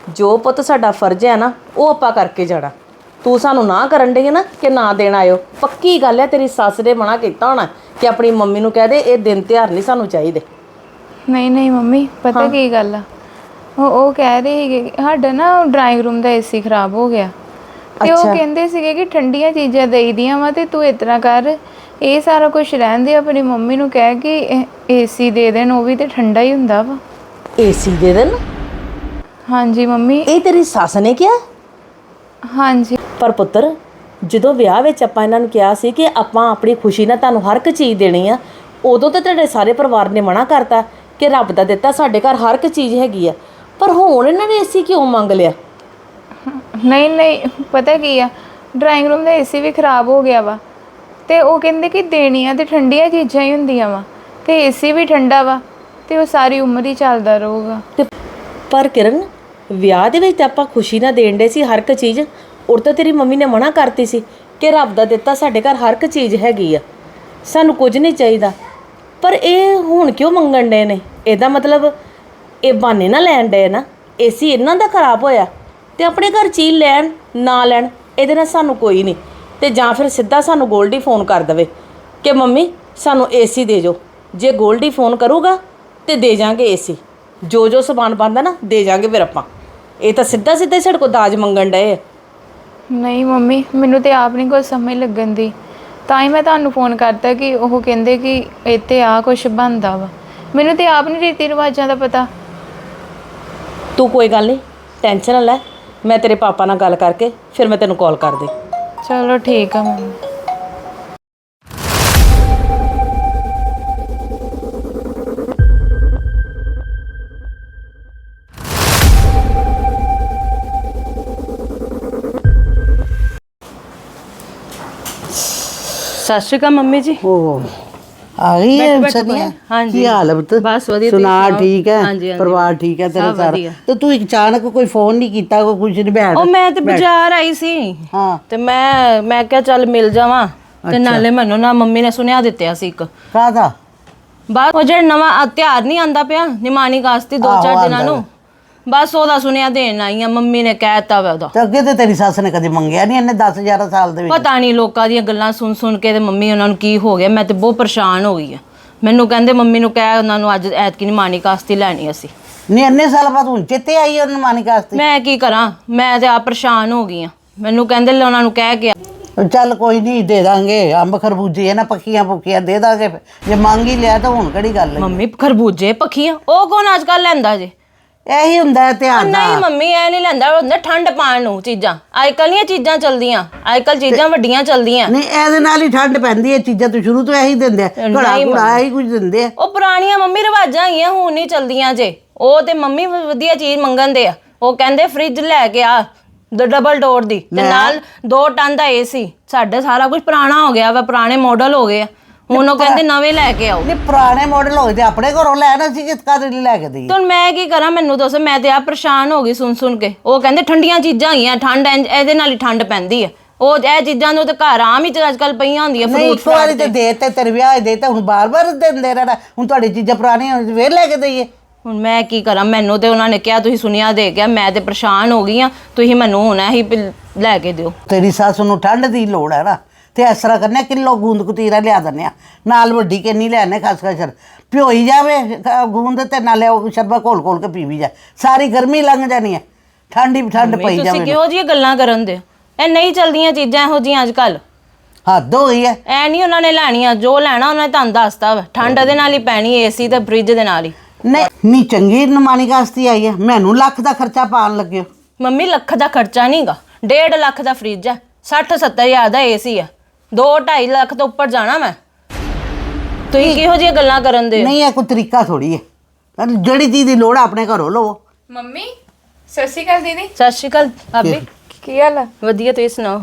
ਜੋ ਪੁੱਤ ਸਾਡਾ ਫਰਜ਼ ਹੈ ਨਾ ਉਹ ਆਪਾਂ ਕਰਕੇ ਜਾਣਾ। ਤੂੰ ਸਾਨੂੰ ਨਾ ਕਰਨ ਡਈ ਹੈ ਨਾ ਕਿ ਨਾ ਦੇਣ ਆਇਓ, ਪੱਕੀ ਗੱਲ ਹੈ ਤੇਰੀ ਸੱਸ ਨੇ ਮਨਾ ਕੀਤਾ ਹੋਣਾ ਕਿ ਆਪਣੀ ਮੰਮੀ ਨੂੰ ਕਹਿ ਦੇ ਇਹ ਦਿਨ ਤਿਉਹਾਰ ਨਹੀਂ ਸਾਨੂੰ ਚਾਹੀਦੇ।
ਨਹੀਂ ਨਹੀਂ ਮੰਮੀ, ਪਤਾ ਕੀ ਗੱਲ ਆ, ਉਹ ਕਹਿ ਰਹੇ ਸੀਗੇ ਕਿ ਸਾਡਾ ਨਾ ਡਰਾਇੰਗ ਰੂਮ ਦਾ ਏਸੀ ਖਰਾਬ ਹੋ ਗਿਆ ਤੇ ਉਹ ਕਹਿੰਦੇ ਸੀਗੇ ਕਿ ਠੰਡੀਆਂ ਚੀਜ਼ਾਂ ਦੇਈਦੀਆਂ ਵਾ ਤੇ ਤੂੰ ਇਤਨਾ ਕਰ, ਇਹ ਸਾਰਾ ਕੁਝ ਰਹਿੰਦੇ ਆਪਣੀ ਮੰਮੀ ਨੂੰ ਕਹਿ ਕਿ ਏਸੀ ਦੇ ਦੇਣ, ਉਹ ਵੀ ਤੇ ਠੰਡਾ ਹੀ ਹੁੰਦਾ ਵਾ।
ਏਸੀ ਦੇ ਦੇਣ?
ਹਾਂਜੀ ਮੰਮੀ।
ਇਹ ਤੇਰੀ ਸੱਸ ਨੇ ਕਿਹਾ?
ਹਾਂਜੀ।
ਪਰ ਪੁੱਤਰ ਜਦੋਂ ਵਿਆਹ ਵਿੱਚ ਆਪਾਂ ਇਹਨਾਂ ਨੂੰ ਕਿਹਾ ਸੀ ਕਿ ਆਪਾਂ ਆਪਣੀ ਖੁਸ਼ੀ ਨਾਲ ਤੁਹਾਨੂੰ ਹਰ ਇੱਕ ਚੀਜ਼ ਦੇਣੀ ਆ, ਉਦੋਂ ਤਾਂ ਤੁਹਾਡੇ ਸਾਰੇ ਪਰਿਵਾਰ ਨੇ ਮਨਾ ਕਰਤਾ ਕਿ ਰੱਬ ਦਾ ਦਿੱਤਾ ਸਾਡੇ ਘਰ ਹਰ ਇੱਕ ਚੀਜ਼ ਹੈਗੀ ਆ, ਪਰ ਹੁਣ ਇਹਨਾਂ ਨੇ ਏਸੀ ਕਿਉਂ ਮੰਗ ਲਿਆ?
ਨਹੀਂ ਨਹੀਂ, ਪਤਾ ਕੀ ਆ, ਡਰਾਇੰਗ ਰੂਮ ਦਾ ਏਸੀ ਵੀ ਖਰਾਬ ਹੋ ਗਿਆ ਵਾ ਤੇ ਉਹ ਕਹਿੰਦੇ ਕਿ ਦੇਣੀਆਂ ਤੇ ਠੰਡੀਆਂ ਚੀਜ਼ਾਂ ਹੀ ਹੁੰਦੀਆਂ ਵਾ ਤੇ ਏਸੀ ਵੀ ਠੰਡਾ ਵਾ ਤੇ ਉਹ ਸਾਰੀ ਉਮਰ ਹੀ ਚੱਲਦਾ ਰਹੂਗਾ।
ਤੇ ਪਰ ਕਿਰਨ, ਵਿਆਹ ਦੇ ਵਿੱਚ ਤਾਂ ਆਪਾਂ ਖੁਸ਼ੀ ਨਾਲ ਦੇਣ ਦੇ ਸੀ ਹਰ ਇੱਕ ਚੀਜ਼, ਔਰ ਤਾਂ ਤੇਰੀ ਮੰਮੀ ਨੇ ਮਨਾ ਕਰਤੀ ਸੀ ਕਿ ਰੱਬ ਦਾ ਦਿੱਤਾ ਸਾਡੇ ਘਰ ਹਰ ਇੱਕ ਚੀਜ਼ ਹੈਗੀ ਆ, ਸਾਨੂੰ ਕੁਝ ਨਹੀਂ ਚਾਹੀਦਾ। ਪਰ ਇਹ ਹੁਣ ਕਿਉਂ ਮੰਗਣ ਡਏ ਨੇ? ਇਹਦਾ ਮਤਲਬ ਇਹ ਬਹਾਨੇ ਨਾ ਲੈਣ ਡਏ ਨਾ, ਏਸੀ ਇਹਨਾਂ ਦਾ ਖਰਾਬ ਹੋਇਆ ਤੇ ਆਪਣੇ ਘਰ ਚੀਜ਼ ਲੈਣ ਨਾ ਲੈਣ ਇਹਦੇ ਨਾਲ ਸਾਨੂੰ ਕੋਈ ਨਹੀਂ। ਤੇ ਜਾਂ ਫਿਰ ਸਿੱਧਾ ਸਾਨੂੰ ਗੋਲਡੀ ਫੋਨ ਕਰ ਦੇਵੇ ਕਿ ਮੰਮੀ ਸਾਨੂੰ ਏਸੀ ਦੇ ਜੋ, ਜੇ ਗੋਲਡੀ ਫੋਨ ਕਰੂਗਾ ਤੇ ਦੇ ਜਾਾਂਗੇ ਏਸੀ, ਜੋ ਜੋ ਸਮਾਨ ਬਣਦਾ ਨਾ ਦੇ ਜਾਾਂਗੇ ਫਿਰ ਆਪਾਂ। ਇਹ ਤਾਂ ਸਿੱਧਾ ਸਿੱਧਾ ਹੀ ਸਾਡੇ ਕੋਲ ਦਾਜ ਮੰਗਣ ਡਏ ਆ।
ਨਹੀਂ ਮੰਮੀ, ਮੈਨੂੰ ਤੇ ਆਪ ਨਹੀਂ ਕੁਝ ਸਮਝ ਲੱਗਣ ਦੀ, ਤਾਂ ਹੀ ਮੈਂ ਤੁਹਾਨੂੰ ਫੋਨ ਕਰਤਾ ਕਿ ਉਹ ਕਹਿੰਦੇ ਕਿ ਇੱਥੇ ਆ ਕੁਝ ਬਣਦਾ ਵਾ, ਮੈਨੂੰ ਤੇ ਆਪ ਨਹੀਂ ਰੀਤੀ ਰਿਵਾਜਾਂ ਦਾ ਪਤਾ।
ਤੂੰ ਕੋਈ ਗੱਲ ਨਹੀਂ, ਟੈਨਸ਼ਨ ਨਾ ਲੈ, ਮੈਂ ਤੇਰੇ ਪਾਪਾ ਨਾਲ ਗੱਲ ਕਰਕੇ ਫਿਰ ਮੈਂ ਤੈਨੂੰ ਕਾਲ ਕਰ ਦੇ।
ਚਲੋ ਠੀਕ ਆ ਮੰਮੀ।
ਸਤਿ ਸ਼੍ਰੀ ਅਕਾਲ ਮੰਮੀ ਜੀ।
ਉਹ ਆ ਗਈ ਹੈ ਸਨੀਆ? ਕੀ ਹਾਲ ਹੈ ਪੁੱਤ?
ਬਸ ਵਧੀਆ,
ਸੁਣਾ ਠੀਕ ਹੈ? ਪਰਿਵਾਰ ਠੀਕ ਹੈ ਤੇਰਾ ਸਾਰਾ? ਤੇ ਤੂੰ ਅਚਾਨਕ ਕੋਈ ਫੋਨ ਨਹੀਂ ਕੀਤਾ, ਕੋਈ ਕੁਝ ਨਹੀਂ ਬੈਠ?
ਉਹ ਮੈਂ ਤੇ ਬਾਜ਼ਾਰ ਆਈ ਸੀ
ਹਾਂ
ਤੇ ਮੈਂ ਕਿਹਾ ਚੱਲ ਮਿਲ ਜਾਵਾਂ, ਤੇ ਨਾਲੇ ਮੈਨੂੰ ਨਾ ਮੰਮੀ ਨੇ ਸੁਨੇਹਾ ਦਿੱਤਿਆ ਸੀ ਇੱਕ।
ਕਾਹਦਾ?
ਬਸ ਉਹ ਜਿਹੜਾ ਨਵਾਂ ਤਿਉਹਾਰ ਨਹੀਂ ਆਂਦਾ ਪਿਆ ਨਿਮਾਣੀ ਕਾਸਤੀ 2-4 ਦਿਨਾਂ ਨੂੰ, ਬਸ ਉਹਦਾ ਸੁਨੇਹਾ ਦੇਣ ਆਈ ਆ। ਮੰਮੀ ਨੇ ਕਹਿਤਾ ਵਾ ਉਹਦਾ।
ਤੇ ਅੱਗੇ ਤੇ ਤੇਰੀ ਸੱਸ ਨੇ ਕਦੇ ਮੰਗਿਆ ਨਹੀਂ, ਇਹਨੇ 10-11 ਸਾਲ ਦੇ ਵਿੱਚ।
ਪਤਾ ਨਹੀਂ ਲੋਕਾਂ ਦੀਆਂ ਗੱਲਾਂ ਸੁਣ ਸੁਣ ਕੇ ਤੇ ਮੰਮੀ ਉਹਨਾਂ ਨੂੰ ਕੀ ਹੋ ਗਿਆ, ਮੈਂ ਤੇ ਬਹੁਤ ਪਰੇਸ਼ਾਨ ਹੋ ਗਈ ਆ। ਮੈਨੂੰ ਕਹਿੰਦੇ ਮੰਮੀ ਨੂੰ ਕਹਿ ਉਹਨਾਂ ਨੂੰ ਅੱਜ ਐਤਕੀ ਨਿਮਾਣੀ ਕਾਸਤੀ ਲੈਣੀ ਅਸੀਂ।
ਨਹੀਂ ਇੰਨੇ ਸਾਲ ਬਾਅਦ ਹੁਣ ਚੇਤੇ ਆਈ ਉਹਨੂੰ ਮਾਨੀ ਕਾਸਤੀ?
ਮੈਂ ਕੀ ਕਰਾਂ, ਮੈਂ ਤੇ ਆ ਪਰੇਸ਼ਾਨ ਹੋ ਗਈ ਆ। ਮੈਨੂੰ ਕਹਿੰਦੇ ਲੈ ਉਹਨਾਂ ਨੂੰ ਕਹਿ ਕੇ
ਚੱਲ ਕੋਈ ਨਹੀਂ, ਦੇ ਦਾਂਗੇ। ਅੰਬ ਖਰਬੂਜੇ ਨਾ ਪੱਕੀਆਂ ਪੁੱਕੀਆਂ ਦੇ ਦਾਂਗੇ, ਜੇ ਮੰਗ ਹੀ ਲਿਆ ਤਾਂ ਹੁਣ ਕਿਹੜੀ ਗੱਲ ਹੈ।
ਮੰਮੀ ਖਰਬੂਜੇ ਪੱਖੀਆਂ ਉਹ ਕੌਣ ਅੱਜ ਕੱਲ ਲੈਂਦਾ ਜੇ?
ਇਹੀ ਹੁੰਦਾ ਹੈ ਧਿਆਨ
ਨਹੀਂ
ਨਾਲ।
ਮੰਮੀ ਇਹ ਨਹੀਂ ਲੈਂਦਾ, ਉਹ ਹੁੰਦਾ ਠੰਡ ਪਾਣ ਨੂੰ ਚੀਜ਼ਾਂ। ਅੱਜ ਕੱਲ ਨਹੀਂ ਚੀਜ਼ਾਂ ਚਲਦੀਆਂ, ਅੱਜ ਕੱਲ ਚੀਜ਼ਾਂ ਵੱਡੀਆਂ ਚਲਦੀਆਂ।
ਨਹੀਂ ਇਹਦੇ ਨਾਲ ਹੀ ਠੰਡ ਪੈਂਦੀ ਹੈ, ਚੀਜ਼ਾਂ ਤੋਂ ਸ਼ੁਰੂ ਤੋਂ ਇਹੀ ਦਿੰਦੇ ਆ, ਘੜਾ ਘੁੜਾ ਇਹੀ ਕੁਝ ਦਿੰਦੇ ਆ।
ਉਹ ਪੁਰਾਣੀਆਂ ਮੰਮੀ ਰਿਵਾਜਾਂ ਹੈਗੀਆਂ, ਹੁਣ ਨਹੀਂ ਚਲਦੀਆਂ ਜੇ। ਉਹ ਤੇ ਮੰਮੀ ਵਧੀਆ ਚੀਜ਼ ਮੰਗਣ ਦੇ ਆ, ਉਹ ਕਹਿੰਦੇ ਫ੍ਰਿਜ ਲੈ ਕੇ ਆ ਡਬਲ ਡੋਰ ਦੀ ਤੇ ਨਾਲ 2 ਟਨ ਦਾ ਏਸੀ। ਸਾਡੇ ਸਾਰਾ ਕੁਝ ਪੁਰਾਣਾ ਹੋ ਗਿਆ ਵਾ, ਪੁਰਾਣੇ ਮਾਡਲ ਹੋ ਗਏ ਆ, ਹੁਣ ਉਹ ਕਹਿੰਦੇ ਨਵੇਂ ਲੈ ਕੇ ਆਓ।
ਨਹੀਂ ਪੁਰਾਣੇ ਮਾਡਲ ਹੋਏ ਤੇ ਆਪਣੇ ਘਰੋਂ ਲੈਣਾ ਸੀ, ਕਿਸ ਕਾਦੇ ਲਈ ਲੈ ਕੇ ਦੇਈਏ?
ਹੁਣ ਮੈਂ ਕੀ ਕਰਾਂ, ਮੈਨੂੰ ਦੱਸੋ। ਮੈਂ ਤੇ ਆ ਪਰੇਸ਼ਾਨ ਹੋ ਗਈ ਸੁਣ ਸੁਣ ਕੇ। ਉਹ ਕਹਿੰਦੇ ਠੰਡੀਆਂ ਚੀਜ਼ਾਂ ਹੈਗੀਆਂ, ਠੰਡ ਇਹਦੇ ਨਾਲ ਹੀ ਠੰਡ ਪੈਂਦੀ ਹੈ। ਉਹ ਇਹ ਚੀਜ਼ਾਂ ਨੂੰ ਤੇ ਘਰ ਆਮ ਹੀ ਅੱਜ ਕੱਲ ਪਈਆਂ ਹੁੰਦੀਆਂ,
ਨਹੀਂ
ਫਰੂਟ
ਇੱਕ ਵਾਰੀ ਤੇ ਦੇ ਤੇ ਤੇਰੇ ਵਿਆਹ ਦੇ ਤਾਂ ਹੁਣ ਬਾਰ-ਬਾਰ ਦਿੰਦੇ ਰਹਿਣਾ। ਹੁਣ ਤੁਹਾਡੀ ਚੀਜ਼ਾਂ ਪੁਰਾਣੀਆਂ ਫੇਰ ਲੈ ਕੇ ਦੇਈਏ?
ਹੁਣ ਮੈਂ ਕੀ ਕਰਾਂ, ਮੈਨੂੰ ਤੇ ਉਹਨਾਂ ਨੇ ਕਿਹਾ ਤੁਸੀਂ ਸੁਨੇਹਾ ਦੇ ਗਿਆ, ਮੈਂ ਤੇ ਪਰੇਸ਼ਾਨ ਹੋ ਗਈ ਆ। ਤੁਸੀਂ ਮੈਨੂੰ ਹੁਣ ਇਹੀ ਲੈ ਕੇ ਦਿਓ।
ਤੇਰੀ ਸੱਸ ਨੂੰ ਠੰਡ ਦੀ ਲੋੜ ਹੈ ਨਾ, ਤੇ ਇਸ ਤਰ੍ਹਾਂ ਕਰਨੇ ਕਿਲੋ ਗੂੰਦ ਕਤੀਰਾ ਲਿਆ ਦਿੰਦੇ ਆ, ਨਾਲ ਵੱਡੀ ਕਿੰਨੀ ਲੈਣੇ ਖਸਖਸ ਭਿਓਈ ਜਾਵੇ ਗੂੰਦ, ਤੇ ਨਾਲੇ ਉਹ ਸ਼ਰਬਤ ਘੋਲ ਘੋਲ ਕੇ ਪੀਵੀ ਜਾ, ਸਾਰੀ ਗਰਮੀ ਲੰਘ ਜਾਣੀ ਹੈ, ਠੰਡ ਹੀ ਠੰਡ ਪਈ
ਤੁਸੀਂ
ਜਾਵੇ।
ਕਿਹੋ ਜਿਹੀਆਂ ਗੱਲਾਂ ਕਰਨ ਦੇ? ਇਹ ਨਹੀਂ ਚਲਦੀਆਂ ਚੀਜ਼ਾਂ ਇਹੋ ਜਿਹੀਆਂ ਅੱਜ ਕੱਲ।
ਹੱਦ ਹੋ ਗਈ ਹੈ।
ਐ ਨਹੀਂ ਉਹਨਾਂ ਨੇ ਲੈਣੀਆਂ, ਜੋ ਲੈਣਾ ਉਹਨਾਂ ਨੇ ਤੁਹਾਨੂੰ ਦੱਸਤਾ ਵਾ। ਠੰਡ ਦੇ ਨਾਲ ਹੀ ਪੈਣੀ, ਏਸੀ ਤੇ ਫ੍ਰਿਜ ਦੇ ਨਾਲ ਹੀ।
ਨਹੀਂ ਚੰਗੀ ਨਿਮਾਣੀ ਕਾਸਤੀ ਆਈ ਹੈ, ਮੈਨੂੰ ਲੱਖ ਦਾ ਖਰਚਾ ਪਾਉਣ ਲੱਗਿਓ।
ਮੰਮੀ ਲੱਖ ਦਾ ਖਰਚਾ ਨਹੀਂਗਾ, 1.5 ਲੱਖ ਦਾ ਫ੍ਰਿਜ ਹੈ, 60-70 ਹਜ਼ਾਰ ਦਾ ਏਸੀ ਹੈ, 2-2.5 ਲੱਖ ਤੋਂ ਉੱਪਰ ਜਾਣਾ ਮੈਂ। ਤੁਸੀਂ ਕਿਹੋ ਜਿਹੀਆਂ ਗੱਲਾਂ ਕਰਨ ਦੇ?
ਨਹੀਂ ਇਹ ਕੋਈ ਤਰੀਕਾ ਥੋੜੀ ਹੈ, ਜਿਹੜੀ ਚੀਜ਼ ਦੀ ਲੋੜ ਆ ਆਪਣੇ ਘਰੋਂ ਲਵੋ।
ਮੰਮੀ ਸਤਿ ਸ਼੍ਰੀ ਅਕਾਲ ਦੀਦੀ।
ਸਤਿ ਸ਼੍ਰੀ ਅਕਾਲ ਭਾਬੀ।
ਕੀ ਹਾਲ ਆ?
ਵਧੀਆ, ਤੁਸੀਂ ਸੁਣਾਓ।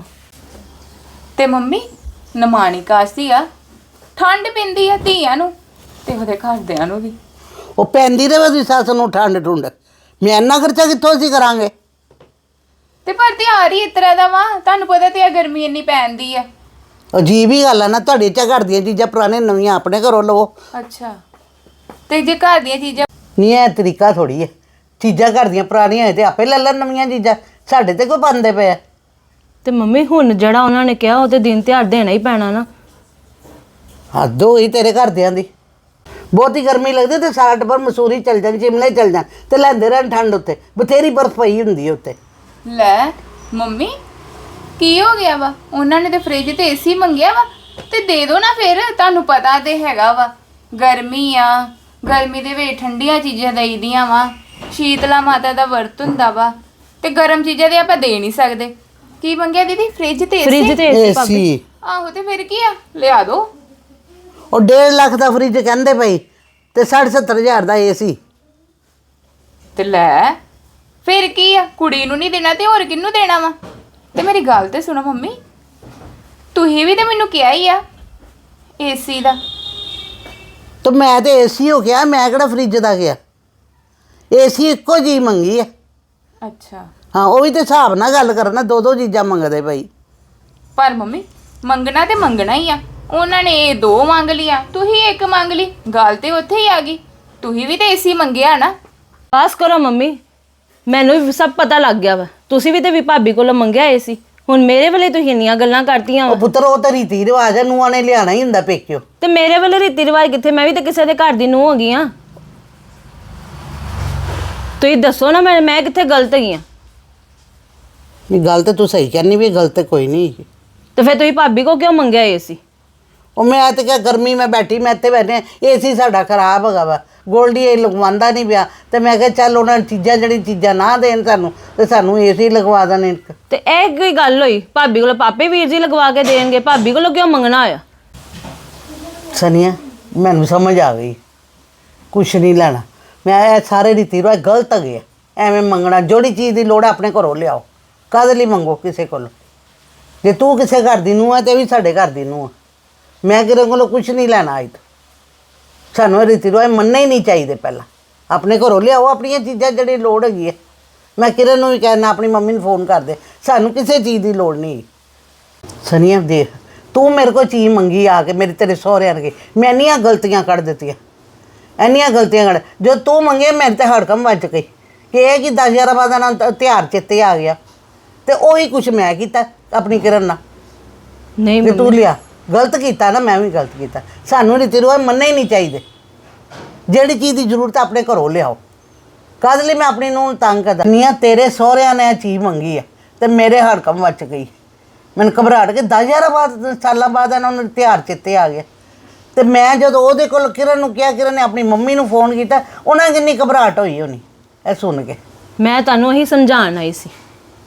ਤੇ ਮੰਮੀ ਨਿਮਾਣੀ ਕਾਸਤੀ ਆ, ਠੰਡ ਪੈਂਦੀ ਆ ਧੀਆਂ ਨੂੰ ਤੇ ਉਹਦੇ ਘਰਦਿਆਂ ਨੂੰ ਵੀ।
ਉਹ ਪੈਂਦੀ ਰਹੇ ਉਹਦੀ ਸੱਸ ਨੂੰ ਠੰਡ ਠੁੰਡ, ਮੈਂ ਇੰਨਾ ਖਰਚਾ ਕਿੱਥੋਂ ਅਸੀਂ ਕਰਾਂਗੇ?
ਤੇ ਪਰ ਤਿਉਹਾਰ ਹੀ ਇਸ ਤਰ੍ਹਾਂ ਦਾ ਵਾ, ਤੁਹਾਨੂੰ ਪਤਾ ਤੇ ਆ ਗਰਮੀ ਇੰਨੀ ਪੈਂਦੀ ਆ।
ਅਜੀਬ ਹੀ ਗੱਲ ਆ ਨਾ, ਤੁਹਾਡੇ ਚ ਘਰ ਦੀਆਂ ਚੀਜ਼ਾਂ ਪੁਰਾਣੇ ਨਵੀਆਂ ਆਪਣੇ ਘਰੋਂ ਲਵੋ।
ਅੱਛਾ, ਤੇ ਜੇ ਘਰ ਦੀਆਂ ਚੀਜ਼ਾਂ
ਨਹੀਂ ਇਹ ਤਰੀਕਾ ਥੋੜੀ ਹੈ, ਚੀਜ਼ਾਂ ਘਰ ਦੀਆਂ ਪੁਰਾਣੀਆਂ ਹੋਏ ਤੇ ਆਪੇ ਲੈ ਲੈਣ ਨਵੀਆਂ ਚੀਜ਼ਾਂ, ਸਾਡੇ ਤੇ ਕੋਈ ਪਾਉਂਦੇ ਪਏ ਆ।
ਤੇ ਮੰਮੀ ਹੁਣ ਜਿਹੜਾ ਉਹਨਾਂ ਨੇ ਕਿਹਾ ਉਹ ਤੇ ਦਿਨ ਤਿਉਹਾਰ ਦੇਣਾ ਹੀ ਪੈਣਾ ਨਾ।
ਹੱਦ ਹੋਈ ਤੇਰੇ ਘਰਦਿਆਂ ਦੀ। ਬਹੁਤੀ ਗਰਮੀ ਲੱਗਦੀ ਤੇ ਸਾਰਾ ਟੱਬਰ ਮਸੂਰੀ ਚਲ ਜਾਣ, ਸ਼ਿਮਲੇ ਚਲ ਜਾਣ ਤੇ ਲੈਂਦੇ ਰਹਿਣ ਠੰਡ ਉੱਤੇ, ਬਥੇਰੀ ਬਰਫ਼ ਪਈ ਹੁੰਦੀ ਹੈ ਉੱਤੇ।
ਲੈ ਮੰਮੀ ਕੀ ਹੋ ਗਿਆ ਵਾ? ਉਹਨਾਂ ਨੇ ਤੇ ਫ੍ਰਿਜ ਤੇ ਏਸੀ ਮੰਗਿਆ ਵਾ ਤੇ ਦੇ ਦੋ ਨਾ ਫਿਰ। ਤੁਹਾਨੂੰ ਪਤਾ ਤੇ ਹੈਗਾ ਵਾ ਗਰਮੀ ਆ, ਗਰਮੀ ਦੇ ਵਿੱਚ ਠੰਡੀਆਂ ਚੀਜ਼ਾਂ ਦੇਈਦੀਆਂ ਵਾ, ਸ਼ੀਤਲਾ ਮਾਤਾ ਦਾ ਵਰਤ ਹੁੰਦਾ ਵਾ, ਤੇ ਗਰਮ ਚੀਜ਼ਾਂ ਤੇ ਆਪਾਂ ਦੇ ਨਹੀਂ ਸਕਦੇ। ਕੀ ਮੰਗਿਆ ਦੀਦੀ? ਫ੍ਰਿਜ ਤੇ
ਫ੍ਰਿਜ
ਏਸੀ?
ਤੇ ਏਸੀ ਭਾਬੀ।
ਏਸੀ
ਆਹੋ ਤੇ ਫਿਰ ਕੀ ਆ, ਲਿਆ ਦੋ।
ਉਹ 1.5 ਲੱਖ ਦਾ ਫਰਿੱਜ ਕਹਿੰਦੇ ਪਈ ਤੇ 60-70 ਹਜ਼ਾਰ ਦਾ ਏਸੀ।
ਤੇ ਲੈ ਫਿਰ ਕੀ ਆ, ਕੁੜੀ ਨੂੰ ਨਹੀਂ ਦੇਣਾ ਤੇ ਹੋਰ ਕਿਹਨੂੰ ਦੇਣਾ ਵਾ? ਤੇ ਮੇਰੀ ਗੱਲ ਤੇ ਸੁਣੋ ਮੰਮੀ, ਤੁਸੀਂ ਵੀ ਤੇ ਮੈਨੂੰ ਕਿਹਾ ਹੀ ਆ ਏਸੀ ਦਾ।
ਤੇ ਮੈਂ ਤੇ ਏਸੀ ਹੋ ਗਿਆ, ਮੈਂ ਕਿਹੜਾ ਫਰਿੱਜ ਦਾ ਗਿਆ। ਏਸੀ ਇੱਕੋ ਜੀ ਮੰਗੀ ਆ।
ਅੱਛਾ
ਹਾਂ, ਉਹ ਵੀ ਤੇ ਹਿਸਾਬ ਨਾਲ ਗੱਲ ਕਰਨਾ, ਦੋ ਦੋ ਚੀਜ਼ਾਂ ਮੰਗਦੇ ਪਈ।
ਪਰ ਮੰਮੀ ਮੰਗਣਾ ਤੇ ਮੰਗਣਾ ਹੀ ਆ। ਉਹਨਾਂ ਨੇ ਇਹ 2 ਮੰਗ ਲਿਆ, ਤੁਸੀਂ 1 ਮੰਗ ਲਈ, ਗੱਲ ਤੇ ਉੱਥੇ ਹੀ ਆ ਗਈ। ਤੁਸੀਂ ਵੀ ਤੇ ਏਸੀ ਮੰਗਿਆ ਨਾ।
ਬਸ ਕਰੋ ਮੰਮੀ, ਮੈਨੂੰ ਵੀ ਸਭ ਪਤਾ ਲੱਗ ਗਿਆ ਵਾ। ਤੁਸੀਂ ਵੀ ਤੇ ਵੀ ਭਾਬੀ ਕੋਲੋਂ ਮੰਗਿਆ ਏ ਸੀ, ਹੁਣ ਮੇਰੇ ਵੇਲੇ ਤੁਸੀਂ ਇੰਨੀਆਂ ਗੱਲਾਂ ਕਰਤੀਆਂ
ਉਹ
ਵਾ।
ਪੁੱਤਰ, ਉਹ ਤਾਂ ਰੀਤੀ ਰਿਵਾਜ ਹੈ, ਨੂੰਹਾਂ ਨੇ ਲਿਆਣਾ ਹੀ ਹੁੰਦਾ ਪੇਕਿਓ।
ਤੇ ਮੇਰੇ ਵੇਲੇ ਰੀਤੀ ਰਿਵਾਜ ਕਿੱਥੇ? ਮੈਂ ਵੀ ਤੇ ਕਿਸੇ ਦੇ ਘਰ ਦੀ ਨੂੰਹ ਹੋ ਗਈ ਆ। ਤੁਸੀਂ ਦੱਸੋ ਨਾ, ਮੈਂ ਕਿੱਥੇ ਗਲਤ ਹੈਗੀ ਆ?
ਇਹ ਗੱਲ ਤੇ ਤੂੰ ਸਹੀ ਕਹਿੰਦੀ ਵੀ, ਗਲਤ ਕੋਈ ਨਹੀਂ।
ਤੇ ਫਿਰ ਤੁਸੀਂ ਭਾਬੀ ਕੋ ਕਿਉਂ ਮੰਗਿਆ ਏ ਸੀ?
ਉਹ ਮੈਂ ਤੇ ਕਿਹਾ ਗਰਮੀ ਮੈਂ ਬੈਠੀ, ਮੈਂ ਇੱਥੇ ਬੈਠੇ, ਏਸੀ ਸਾਡਾ ਖਰਾਬ ਹੈਗਾ ਵਾ, ਗੋਲਡੀ ਇਹ ਲਗਵਾਉਂਦਾ ਨਹੀਂ ਪਿਆ, ਤੇ ਮੈਂ ਕਿਹਾ ਚੱਲ ਉਹਨਾਂ ਚੀਜ਼ਾਂ ਜਿਹੜੀ ਚੀਜ਼ਾਂ ਨਾ ਦੇਣ ਸਾਨੂੰ, ਤੇ ਸਾਨੂੰ ਏਸੀ ਲਗਵਾ ਦੇਣ ਇੱਕ।
ਤੇ ਇਹ ਕੋਈ ਗੱਲ ਹੋਈ? ਭਾਬੀ ਕੋਲੋਂ ਪਾਪੇ ਵੀਰ ਜੀ ਲਗਵਾ ਕੇ ਦੇਣਗੇ, ਭਾਬੀ ਕੋਲੋਂ ਕਿਉਂ ਮੰਗਣਾ ਹੋਇਆ?
ਸਨੀਆ, ਮੈਨੂੰ ਸਮਝ ਆ ਗਈ, ਕੁਛ ਨਹੀਂ ਲੈਣਾ ਮੈਂ। ਇਹ ਸਾਰੇ ਰੀਤੀ ਰਿਵਾਜ ਗਲਤ ਹੈਗੇ ਆ, ਐਵੇਂ ਮੰਗਣਾ। ਜਿਹੜੀ ਚੀਜ਼ ਦੀ ਲੋੜ ਹੈ ਆਪਣੇ ਘਰੋਂ ਲਿਆਓ, ਕਾਹਦੇ ਲਈ ਮੰਗੋ ਕਿਸੇ ਕੋਲੋਂ? ਜੇ ਤੂੰ ਕਿਸੇ ਘਰ ਦੀ ਨੂੰਹ ਹੈ ਤੇ ਵੀ ਸਾਡੇ ਘਰ ਦੀ ਨੂੰਹ ਹੈ। ਮੈਂ ਕਿਸੇ ਕੋਲੋਂ ਕੁਛ ਨਹੀਂ ਲੈਣਾ ਅੱਜ ਤੋਂ। ਸਾਨੂੰ ਇਹ ਰੀਤੀ ਰਿਵਾਜ ਮੰਨਣੇ ਹੀ ਨਹੀਂ ਚਾਹੀਦੇ। ਪਹਿਲਾਂ ਆਪਣੇ ਘਰੋਂ ਲਿਆਓ ਆਪਣੀਆਂ ਚੀਜ਼ਾਂ, ਜਿਹੜੀ ਲੋੜ ਹੈਗੀ ਹੈ। ਮੈਂ ਕਿਰਨ ਨੂੰ ਵੀ ਕਹਿਣਾ ਆਪਣੀ ਮੰਮੀ ਨੂੰ ਫੋਨ ਕਰ ਦੇ, ਸਾਨੂੰ ਕਿਸੇ ਚੀਜ਼ ਦੀ ਲੋੜ ਨਹੀਂ। ਸਨੀਆ ਦੇਖ, ਤੂੰ ਮੇਰੇ ਕੋਲ ਚੀਜ਼ ਮੰਗੀ ਆ ਕੇ, ਮੇਰੇ ਤੇਰੇ ਸਹੁਰਿਆਂ ਨੇ, ਮੈਂ ਇੰਨੀਆਂ ਗਲਤੀਆਂ ਕੱਢ ਦਿੱਤੀਆਂ, ਇੰਨੀਆਂ ਗਲਤੀਆਂ ਕੱਢ। ਜੋ ਤੂੰ ਮੰਗੇ ਮੇਰੇ ਤੇ ਹੜਕਮ ਵੱਜ ਗਈ ਕਿ ਇਹ ਕਿ 10 ਬਾਅਦ ਨਾਲ ਤਿਉਹਾਰ ਚੇਤੇ ਆ ਗਿਆ, ਤੇ ਉਹੀ ਕੁਛ ਮੈਂ ਕੀਤਾ ਆਪਣੀ ਕਿਰਨ ਨਾਲ।
ਨਹੀਂ
ਵੀ ਤੂੰ ਲਿਆ, ਗਲਤ ਕੀਤਾ ਨਾ, ਮੈਂ ਵੀ ਗਲਤ ਕੀਤਾ। ਸਾਨੂੰ ਰੀਤੀ ਰਿਵਾਜ ਮੰਨਣੇ ਹੀ ਨਹੀਂ ਚਾਹੀਦੇ। ਜਿਹੜੀ ਚੀਜ਼ ਦੀ ਜ਼ਰੂਰਤ ਆਪਣੇ ਘਰੋਂ ਲਿਆਓ। ਕਾਹਦੇ ਲਈ ਮੈਂ ਆਪਣੀ ਨੂੰ ਤੰਗ ਕਰਦਾ ਨਹੀਂ ਆ? ਤੇਰੇ ਸਹੁਰਿਆਂ ਨੇ ਇਹ ਚੀਜ਼ ਮੰਗੀ ਆ ਤੇ ਮੇਰੇ ਹੜਕਮ ਵੱਜ ਗਈ। ਮੈਨੂੰ ਘਬਰਾਹਟ ਕੇ 10 ਬਾਅਦ ਸਾਲਾਂ ਬਾਅਦ ਇਹਨਾਂ ਨੂੰ ਤਿਉਹਾਰ ਚੇਤੇ ਆ ਗਿਆ। ਤੇ ਮੈਂ ਜਦੋਂ ਉਹਦੇ ਕੋਲ ਕਿਰਨ ਨੂੰ ਕਿਹਾ, ਕਿਰਨ ਨੇ ਆਪਣੀ ਮੰਮੀ ਨੂੰ ਫੋਨ ਕੀਤਾ, ਉਹਨਾਂ ਕਿੰਨੀ ਘਬਰਾਹਟ ਹੋਈ ਹੋਣੀ ਇਹ ਸੁਣ ਕੇ।
ਮੈਂ ਤੁਹਾਨੂੰ ਇਹੀ ਸਮਝਾਉਣ ਆਈ ਸੀ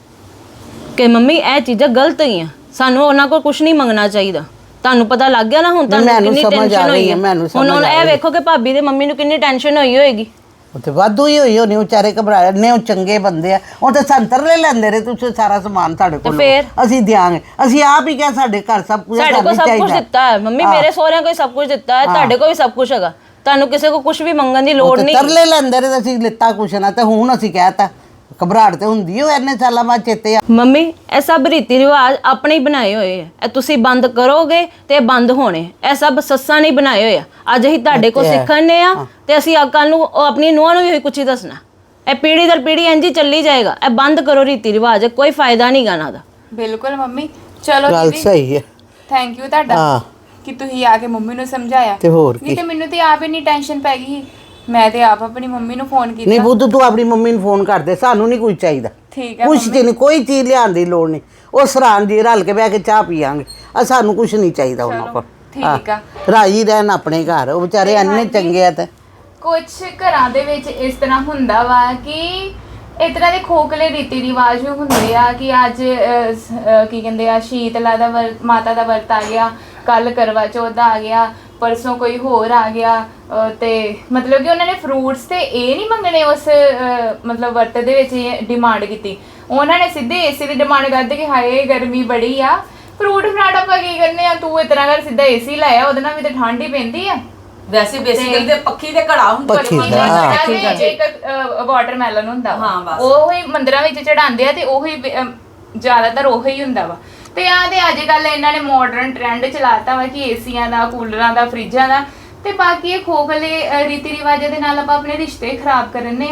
ਕਿ ਮੰਮੀ ਇਹ ਚੀਜ਼ਾਂ ਗਲਤ ਹੈਗੀਆਂ, ਸਾਨੂੰ ਉਹਨਾਂ ਕੋਲ ਕੁਝ ਨਹੀਂ ਮੰਗਣਾ ਚਾਹੀਦਾ। ਤੁਹਾਨੂੰ ਪਤਾ ਲੱਗ ਗਿਆ ਨਾ ਹੁਣ? ਤੁਹਾਨੂੰ
ਮੈਨੂੰ
ਕਿੰਨੀ
ਸਮਝ ਆ
ਟੈਨਸ਼ਨ ਹੋਈ
ਗਈ
ਹੈ।
ਹੈ, ਮੈਨੂੰ
ਹੁਣ
ਸਮਝ ਆ
ਇਹ
ਗਈ।
ਵੇਖੋ ਕਿ ਭਾਬੀ ਦੇ ਮੰਮੀ ਨੂੰ ਕਿੰਨੀ ਟੈਨਸ਼ਨ ਹੋਈ ਹੋਏਗੀ।
ਉਹ ਤੇ ਵਾਧੂ ਹੀ ਹੋਈ ਹੋਣੀ, ਵਿਚਾਰੇ ਘਬਰਾਏ ਨੇ। ਉਹ ਚੰਗੇ ਬੰਦੇ ਆ, ਉਹ ਤੇ ਸੰਤਰ ਲੈ ਲੈਂਦੇ ਰਹੇ। ਤੁਸੀਂ ਸਾਰਾ ਸਮਾਨ ਸਾਡੇ ਕੋਲ
ਫਿਰ?
ਅਸੀਂ ਦਿਆਂਗੇ। ਅਸੀਂ ਆਪ ਹੀ ਕਿਹਾ ਸਾਡੇ ਘਰ ਸਭ ਕੁਝ
ਸਾਡੇ ਕੋਲ ਸਭ ਕੁਝ ਦਿੱਤਾ ਹੈ ਮੰਮੀ, ਮੇਰੇ ਸਹੁਰਿਆਂ ਕੋਲ ਸਭ ਕੁਝ ਦਿੱਤਾ ਹੈ, ਤੁਹਾਡੇ ਕੋਲ ਵੀ ਸਭ ਕੁਝ ਹੈਗਾ। ਤੁਹਾਨੂੰ ਕਿਸੇ ਕੋ ਕੁਝ ਵੀ ਮੰਗਣ ਦੀ ਲੋੜ ਨਹੀਂ।
ਤਰਲੇ ਲੈਂਦੇ ਰਹੇ, ਅਸੀਂ ਲਿੱਤਾ ਕੁਛ ਨਾ, ਤੇ ਹੁਣ ਅਸੀਂ ਕਹਿਤਾ। ਘਬਰਾਹਟ ਤੇ ਹੁੰਦੀ ਓ ਇੰਨੇ ਸਾਲਾਂ ਬਾਅਦ ਚੇਤੇ ਆ।
ਮੰਮੀ ਇਹ ਸਭ ਰੀਤੀ ਰਿਵਾਜ ਆਪਣੇ ਹੀ ਬਣਾਏ ਹੋਏ ਆ, ਇਹ ਤੁਸੀਂ ਬੰਦ ਕਰੋਗੇ ਤੇ ਬੰਦ ਹੋਣੇ। ਇਹ ਸਭ ਸੱਸਾਂ ਨੇ ਬਣਾਏ ਹੋਏ ਆ। ਅੱਜ ਅਸੀਂ ਤੁਹਾਡੇ ਕੋਲ ਸਿੱਖਣੇ ਆ ਤੇ ਅਸੀਂ ਕੱਲ ਨੂੰ ਆਪਣੀ ਨੂੰਹਾਂ ਨੂੰ ਵੀ ਕੁਝ ਹੀ ਦੱਸਣਾ। ਇਹ ਪੀੜ੍ਹੀ ਦਰ ਪੀੜ੍ਹੀ ਇੰਝ ਹੀ ਚੱਲੀ ਜਾਏਗਾ। ਇਹ ਬੰਦ ਕਰੋ ਰੀਤੀ ਰਿਵਾਜ, ਕੋਈ ਫਾਇਦਾ ਨਹੀਂ ਗਾ ਇਹਨਾਂ ਦਾ।
ਬਿਲਕੁਲ ਮੰਮੀ। ਚਲੋ
ਗੱਲ
ਦੀਦੀ,
ਸਹੀ ਹੈ।
ਥੈਂਕ ਯੂ ਤੁਹਾਡਾ ਕਿ ਤੁਸੀਂ ਆ ਕੇ ਮੰਮੀ ਨੂੰ ਸਮਝਾਇਆ।
ਤੇ ਹੋਰ
ਨਹੀਂ
ਕੀ।
ਤੇ ਮੈਨੂੰ ਤੇ ਆਪ ਇੰਨੀ ਟੈਨਸ਼ਨ ਪੈ ਗਈ। ਮੈਂ ਤੇ ਆਪ ਆਪਣੀ ਮੰਮੀ ਨੂੰ ਫੋਨ ਕੀਤਾ।
ਨਹੀਂ ਬੁੱਧ, ਤੂੰ ਆਪਣੀ ਮੰਮੀ ਨੂੰ ਫੋਨ ਕਰ ਦੇ, ਸਾਨੂੰ ਨਹੀਂ ਕੁਝ ਚਾਹੀਦਾ।
ਠੀਕ ਹੈ
ਕੁਛ ਨਹੀਂ, ਕੋਈ ਚੀਜ਼ ਲਿਆਉਣ ਦੀ ਲੋੜ ਨਹੀਂ। ਉਹ ਸਰਾਂ ਜੀ ਰਲ ਕੇ ਬਹਿ ਕੇ ਚਾਹ ਪੀਆਂਗੇ। ਸਾਨੂੰ ਕੁਝ ਨਹੀਂ ਚਾਹੀਦਾ ਉਹਨਾਂ ਕੋਲ।
ਠੀਕ ਆ।
ਰਾਜੀ ਰਹਿਣ ਆਪਣੇ ਘਰ, ਉਹ ਵਿਚਾਰੇ ਇੰਨੇ ਚੰਗੇ ਆ। ਤੇ
ਕੁਝ ਘਰਾਂ ਦੇ ਵਿੱਚ ਇਸ ਤਰ੍ਹਾਂ ਹੁੰਦਾ ਵਾ ਕਿ ਇਸ ਤਰ੍ਹਾਂ ਦੇ ਖੋਖਲੇ ਰੀਤੀ ਰਿਵਾਜ ਹੁੰਦੇ ਆ ਕਿ ਅੱਜ ਕੀ ਕਹਿੰਦੇ ਆ, ਸ਼ੀਤਲਾ ਦਾ ਮਾਤਾ ਦਾ ਵਰਤ ਆ ਗਿਆ, ਕੱਲ ਕਰਵਾ ਚੌਥ ਆ ਗਿਆ, ਪਰਸੋਂ ਕੋਈ ਹੋਰ ਆ ਗਿਆ। ਤੇ ਮਤਲਬ ਕਿ ਉਹਨਾਂ ਨੇ ਫਰੂਟਸ ਤੇ ਇਹ ਨਹੀਂ ਮੰਗਣੇ ਉਸ ਮਤਲਬ ਵਰਤ ਦੇ ਵਿੱਚ ਡਿਮਾਂਡ ਕੀਤੀ। ਉਹਨਾਂ ਨੇ ਸਿੱਧੇ ਏਸੀ ਦੀ ਡਿਮਾਂਡ ਕਰਦੇ ਕਿ ਹਾਏ ਗਰਮੀ ਬੜੀ ਆ, ਫਰੂਟ ਫਰਾਟ ਆਪਾਂ ਕੀ ਕਰਨੇ ਆ, ਤੂੰ ਇਸ ਤਰ੍ਹਾਂ ਕਰ ਸਿੱਧਾ ਏਸੀ ਲਾਇਆ, ਉਹਦੇ ਨਾਲ ਵੀ ਤਾਂ ਠੰਡ ਹੀ ਪੈਂਦੀ ਆ।
ਵੈਸੇ ਬੇਸਿਕਲੀ ਤੇ ਪੱਖੀ ਦੇ ਘੜਾ ਹੁੰਦਾ।
ਪੱਖੀ
ਪੱਖੀ
ਦਾ, ਹਾਂ।
ਦਾ ਤੇ ਇੱਕ ਵਾਟਰਮੈਲਨ ਹੁੰਦਾ ਵਾ।
ਹਾਂ, ਬਸ।
ਉਹੀ ਮੰਦਿਰਾਂ ਵਿੱਚ ਚੜਾਉਂਦੇ ਆ ਤੇ ਉਹੀ ਜ਼ਿਆਦਾਤਰ ਉਹੀ ਹੁੰਦਾ ਵਾ। ਤੇ ਆ ਤੇ ਅੱਜ ਕੱਲ ਇਹਨਾਂ ਨੇ ਮਾਡਰਨ ਟ੍ਰੈਂਡ ਚਲਾਤਾ ਵਾ ਕਿ ਏਸੀਆਂ ਦਾ, ਕੂਲਰਾਂ ਦਾ, ਫਰਿੱਜਾਂ ਦਾ। ਤੇ ਬਾਕੀ ਇਹ ਖੋਖਲੇ ਰੀਤੀ ਰਿਵਾਜਾਂ ਦੇ ਨਾਲ ਆਪਾਂ ਆਪਣੇ ਰਿਸ਼ਤੇ ਖਰਾਬ ਕਰਨੇ ਆ।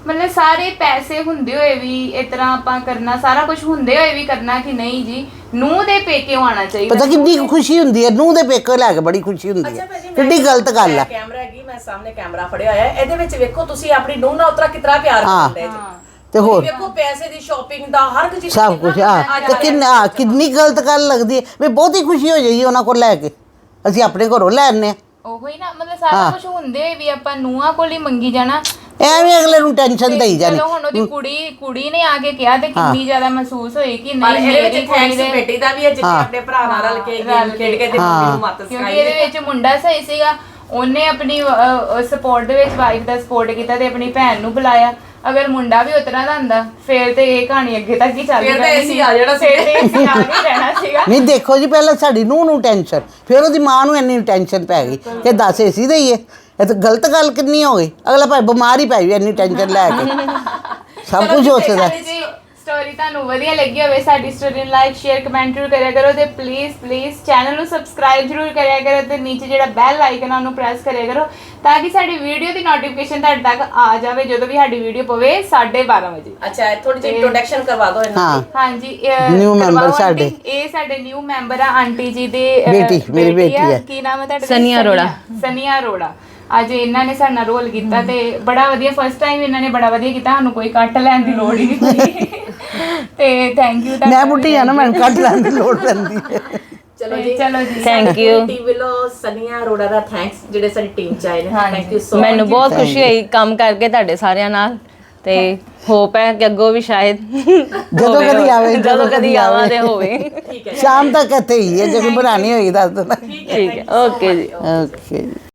ਮਤਲਬ ਸਾਰੇ ਪੈਸੇ ਹੁੰਦੇ ਹੋਏ ਵੀ ਇਸ ਤਰ੍ਹਾਂ ਆਪਾਂ ਕਰਨਾ, ਸਾਰਾ ਕੁਝ ਹੁੰਦੇ ਹੋਏ ਵੀ ਕਰਨਾ ਕਿ ਨਹੀਂ ਜੀ ਨੂੰਹ ਦੇ ਪੇਕੇ ਆਉਣਾ ਚਾਹੀਦਾ।
ਪਤਾ ਕਿੰਨੀ ਕੁ ਖੁਸ਼ੀ ਹੁੰਦੀ ਹੈ ਨੂੰਹ ਦੇ ਪੇਕੇ ਲੈ ਕੇ, ਬੜੀ ਖੁਸ਼ੀ ਹੁੰਦੀ ਹੈ। ਕਿੰਨੀ ਗਲਤ ਗੱਲ ਹੈ।
ਕੈਮਰਾ ਹੈਗੀ, ਮੈਂ ਸਾਹਮਣੇ ਕੈਮਰਾ ਫੜਿਆ ਹੋਇਆ ਹੈ, ਇਹਦੇ ਵਿੱਚ ਵੇਖੋ ਤੁਸੀਂ ਆਪਣੀ ਨੂੰਹ ਨਾਲ ਉਤਰਾ ਕਿਤਨਾ ਪਿਆਰ ਕਰਦੇ ਜੀ।
ਤੇ ਹੋਰ
ਵੇਖੋ ਪੈਸੇ ਦੀ ਸ਼ਾਪਿੰਗ ਦਾ ਹਰ ਇੱਕ ਚੀਜ਼
ਸਭ ਕੁਝ ਤੇ ਕਿੰਨੀ ਗਲਤ ਗੱਲ ਲੱਗਦੀ ਹੈ ਵੀ ਬਹੁਤੀ ਖੁਸ਼ੀ ਹੋ ਜਾਏਗੀ ਉਹਨਾਂ ਕੋਲ ਲੈ ਕੇ, ਅਸੀਂ ਆਪਣੇ ਘਰੋਂ ਲੈ ਆਨੇ ਆ।
ਉਹੀ ਨਾ, ਮਤਲਬ ਸਾਰਾ ਕੁਝ ਹੁੰਦੇ ਹੋਏ ਵੀ ਆਪਾਂ ਨੂੰਹਾਂ ਕੋਲ ਹੀ ਮੰਗੀ ਜਾਣਾ,
ਐਵੇਂ ਅਗਲੇ ਨੂੰ ਟੈਨਸ਼ਨ ਦੇਈ ਜਾਣੀ।
ਚਲੋ ਹੁਣ ਉਹਦੀ ਕੁੜੀ ਨੇ ਆ ਕੇ ਕਿਹਾ ਤੇ ਕਿੰਨੀ ਜ਼ਿਆਦਾ ਮਹਿਸੂਸ ਹੋਈ ਕਿ
ਪਰ
ਨਹੀਂ
ਇਹਦੇ
ਮੇਰੀ
ਵਿੱਚ
ਕੁੜੀ
ਥੈਂਕਸ
ਦੇ,
ਬੇਟੀ ਦਾ ਵੀ ਹੈ ਜਿੱਥੇ ਆਪਣੇ ਭਰਾ ਨਾਲ ਰਲ ਕੇ ਗੇਮ ਖੇਡ ਕੇ ਤੇ ਮੰਮੀ ਨੂੰ ਮੱਤ
ਕਿਉਂਕਿ
ਸਿਖਾਈ।
ਇਹਦੇ ਵਿੱਚ ਮੁੰਡਾ ਸਹੀ ਸੀਗਾ, ਉਹਨੇ ਆਪਣੀ ਸਪੋਰਟ ਦੇ ਵਿੱਚ ਵਾਈਫ ਦਾ ਸਪੋਰਟ ਕੀਤਾ ਤੇ ਆਪਣੀ ਭੈਣ ਨੂੰ ਬੁਲਾਇਆ। ਅਗਰ ਮੁੰਡਾ ਵੀ ਉਤਰਾ ਦਾ ਹੁੰਦਾ ਫਿਰ ਤੇ ਇਹ ਕਹਾਣੀ ਅੱਗੇ ਤੱਕ ਹੀ ਚੱਲਦੀ
ਫਿਰ ਤੇ
ਰਹਿਣੀ
ਅਸੀਂ ਆ ਜਾਣਾ ਸੀ।
ਫਿਰ ਤੇ ਅਸੀਂ ਆ ਨਹੀਂ ਰਹਿਣਾ ਸੀਗਾ।
ਨਹੀਂ ਦੇਖੋ ਜੀ, ਪਹਿਲਾਂ ਸਾਡੀ ਨੂੰਹ ਨੂੰ ਟੈਨਸ਼ਨ, ਫਿਰ ਉਹਦੀ ਮਾਂ ਨੂੰ ਇੰਨੀ ਟੈਨਸ਼ਨ ਪੈ ਗਈ ਕਿ ਦੱਸ ਏਸੀ ਦਈਏ। ਇਹ ਤਾਂ ਗਲਤ ਗੱਲ ਕਿੰਨੀ ਹੋ ਗਈ, ਅਗਲਾ ਭਾਈ ਬਿਮਾਰ ਹੀ ਪੈ ਜਾਵੇ ਇੰਨੀ ਟੈਨਸ਼ਨ ਲੈ ਕੇ। ਸਭ ਕੁਝ ਹੋ ਸਕਦਾ।
ਜੀ ਸਟੋਰੀ ਤੁਹਾਨੂੰ ਵਧੀਆ ਲੱਗੀ ਹੋਵੇ, ਸਾਡੀ ਸਟੋਰੀ ਨੂੰ ਲਾਈਕ ਸ਼ੇਅਰ ਕਮੈਂਟ ਜ਼ਰੂਰ ਕਰਿਆ ਕਰੋ ਤੇ ਪਲੀਜ਼ ਚੈਨਲ ਨੂੰ ਸਬਸਕ੍ਰਾਈਬ ਜ਼ਰੂਰ ਕਰਿਆ ਕਰੋ ਤੇ ਨੀਚੇ ਜਿਹੜਾ ਬੈਲ ਆਈਕਨ ਆ ਉਹਨੂੰ ਪ੍ਰੈਸ ਕਰਿਆ ਕਰੋ ਤਾਂ ਕਿ ਸਾਡੀ ਵੀਡੀਓ ਦੀ ਨੋਟੀਫਿਕੇਸ਼ਨ ਤੁਹਾਡੇ ਤੱਕ ਆ ਜਾਵੇ ਜਦੋਂ ਵੀ ਸਾਡੀ ਵੀਡੀਓ ਪਵੇ 12:30 ਵਜੇ।
ਅੱਛਾ ਥੋੜੀ ਜਿਹੀ ਇੰਟਰੋਡਕਸ਼ਨ ਕਰਵਾ ਦਿਓ ਇਹਨਾਂ
ਹਾਂ
ਹਾਂਜੀ
New member
ਕਰਵਾਓ
ਸਾਡੇ।
ਆਂਟੀ। ਇਹ ਸਾਡੇ ਨਿਊ ਮੈਂਬਰ ਆ, ਆਂਟੀ ਜੀ ਦੇ
ਬੇਟੀ, ਮੇਰੀ ਬੇਟੀ
ਆ।
ਹੈ।
ਕੀ ਨਾਮ ਹੈ ਤੁਹਾਡਾ?
ਸਨੀਆ ਅਰੋੜਾ।
ਸਨੀਆ ਅਰੋੜਾ। ਅੱਜ ਇਹਨਾਂ ਨੇ ਸਾਡੇ ਨਾਲ ਰੋਲ ਕੀਤਾ ਤੇ ਬੜਾ ਵਧੀਆ, ਫਸਟ ਟਾਈਮ ਇਹਨਾਂ ਨੇ ਬੜਾ ਵਧੀਆ ਕੀਤਾ, ਸਾਨੂੰ ਕੋਈ ਕੱਟ ਲੈਣ ਦੀ ਲੋੜ ਹੀ ਨਹੀਂ ਪਈ ਤੇ ਥੈਂਕ ਯੂ।
ਮੈਂ ਬੁੱਢੀ ਆ ਨਾ, ਮੈਨੂੰ ਕੱਟ ਲੈਣ ਦੀ ਲੋੜ ਪੈਂਦੀ ਹੈ।
ਚਲੋ ਜੀ
ਥੈਂਕ ਯੂ।
ਟੀਮ ਵੱਲੋਂ ਸਨੀਆ ਅਰੋੜਾ ਦਾ ਥੈਂਕਸ ਜਿਹੜੇ ਸਾਡੀ ਟੀਮ ਚ ਆਏ ਨੇ। ਥੈਂਕ ਯੂ ਸੋ
ਮੈਨੂੰ ਬਹੁਤ ਖੁਸ਼ੀ ਹੋਈ ਕੰਮ ਕਰਕੇ ਤੁਹਾਡੇ ਸਾਰਿਆਂ ਨਾਲ ਤੇ ਹੋਪ ਹੈ ਕਿ ਅੱਗੋਂ ਵੀ ਸ਼ਾਇਦ
ਜਦੋਂ ਕਦੀ ਆਵੇ,
ਜਦੋਂ ਕਦੀ ਆਵਾਂ ਤੇ ਹੋਵੇ।
ਸ਼ਾਮ ਤੱਕ ਇੱਥੇ ਹੀ ਹੈ, ਜੇ ਕੋਈ ਬਣਾਣੀ ਹੋਈ ਦੱਸ ਦੇਣਾ।
ਠੀਕ ਹੈ, ਓਕੇ ਜੀ।
ਓਕੇ ਜੀ।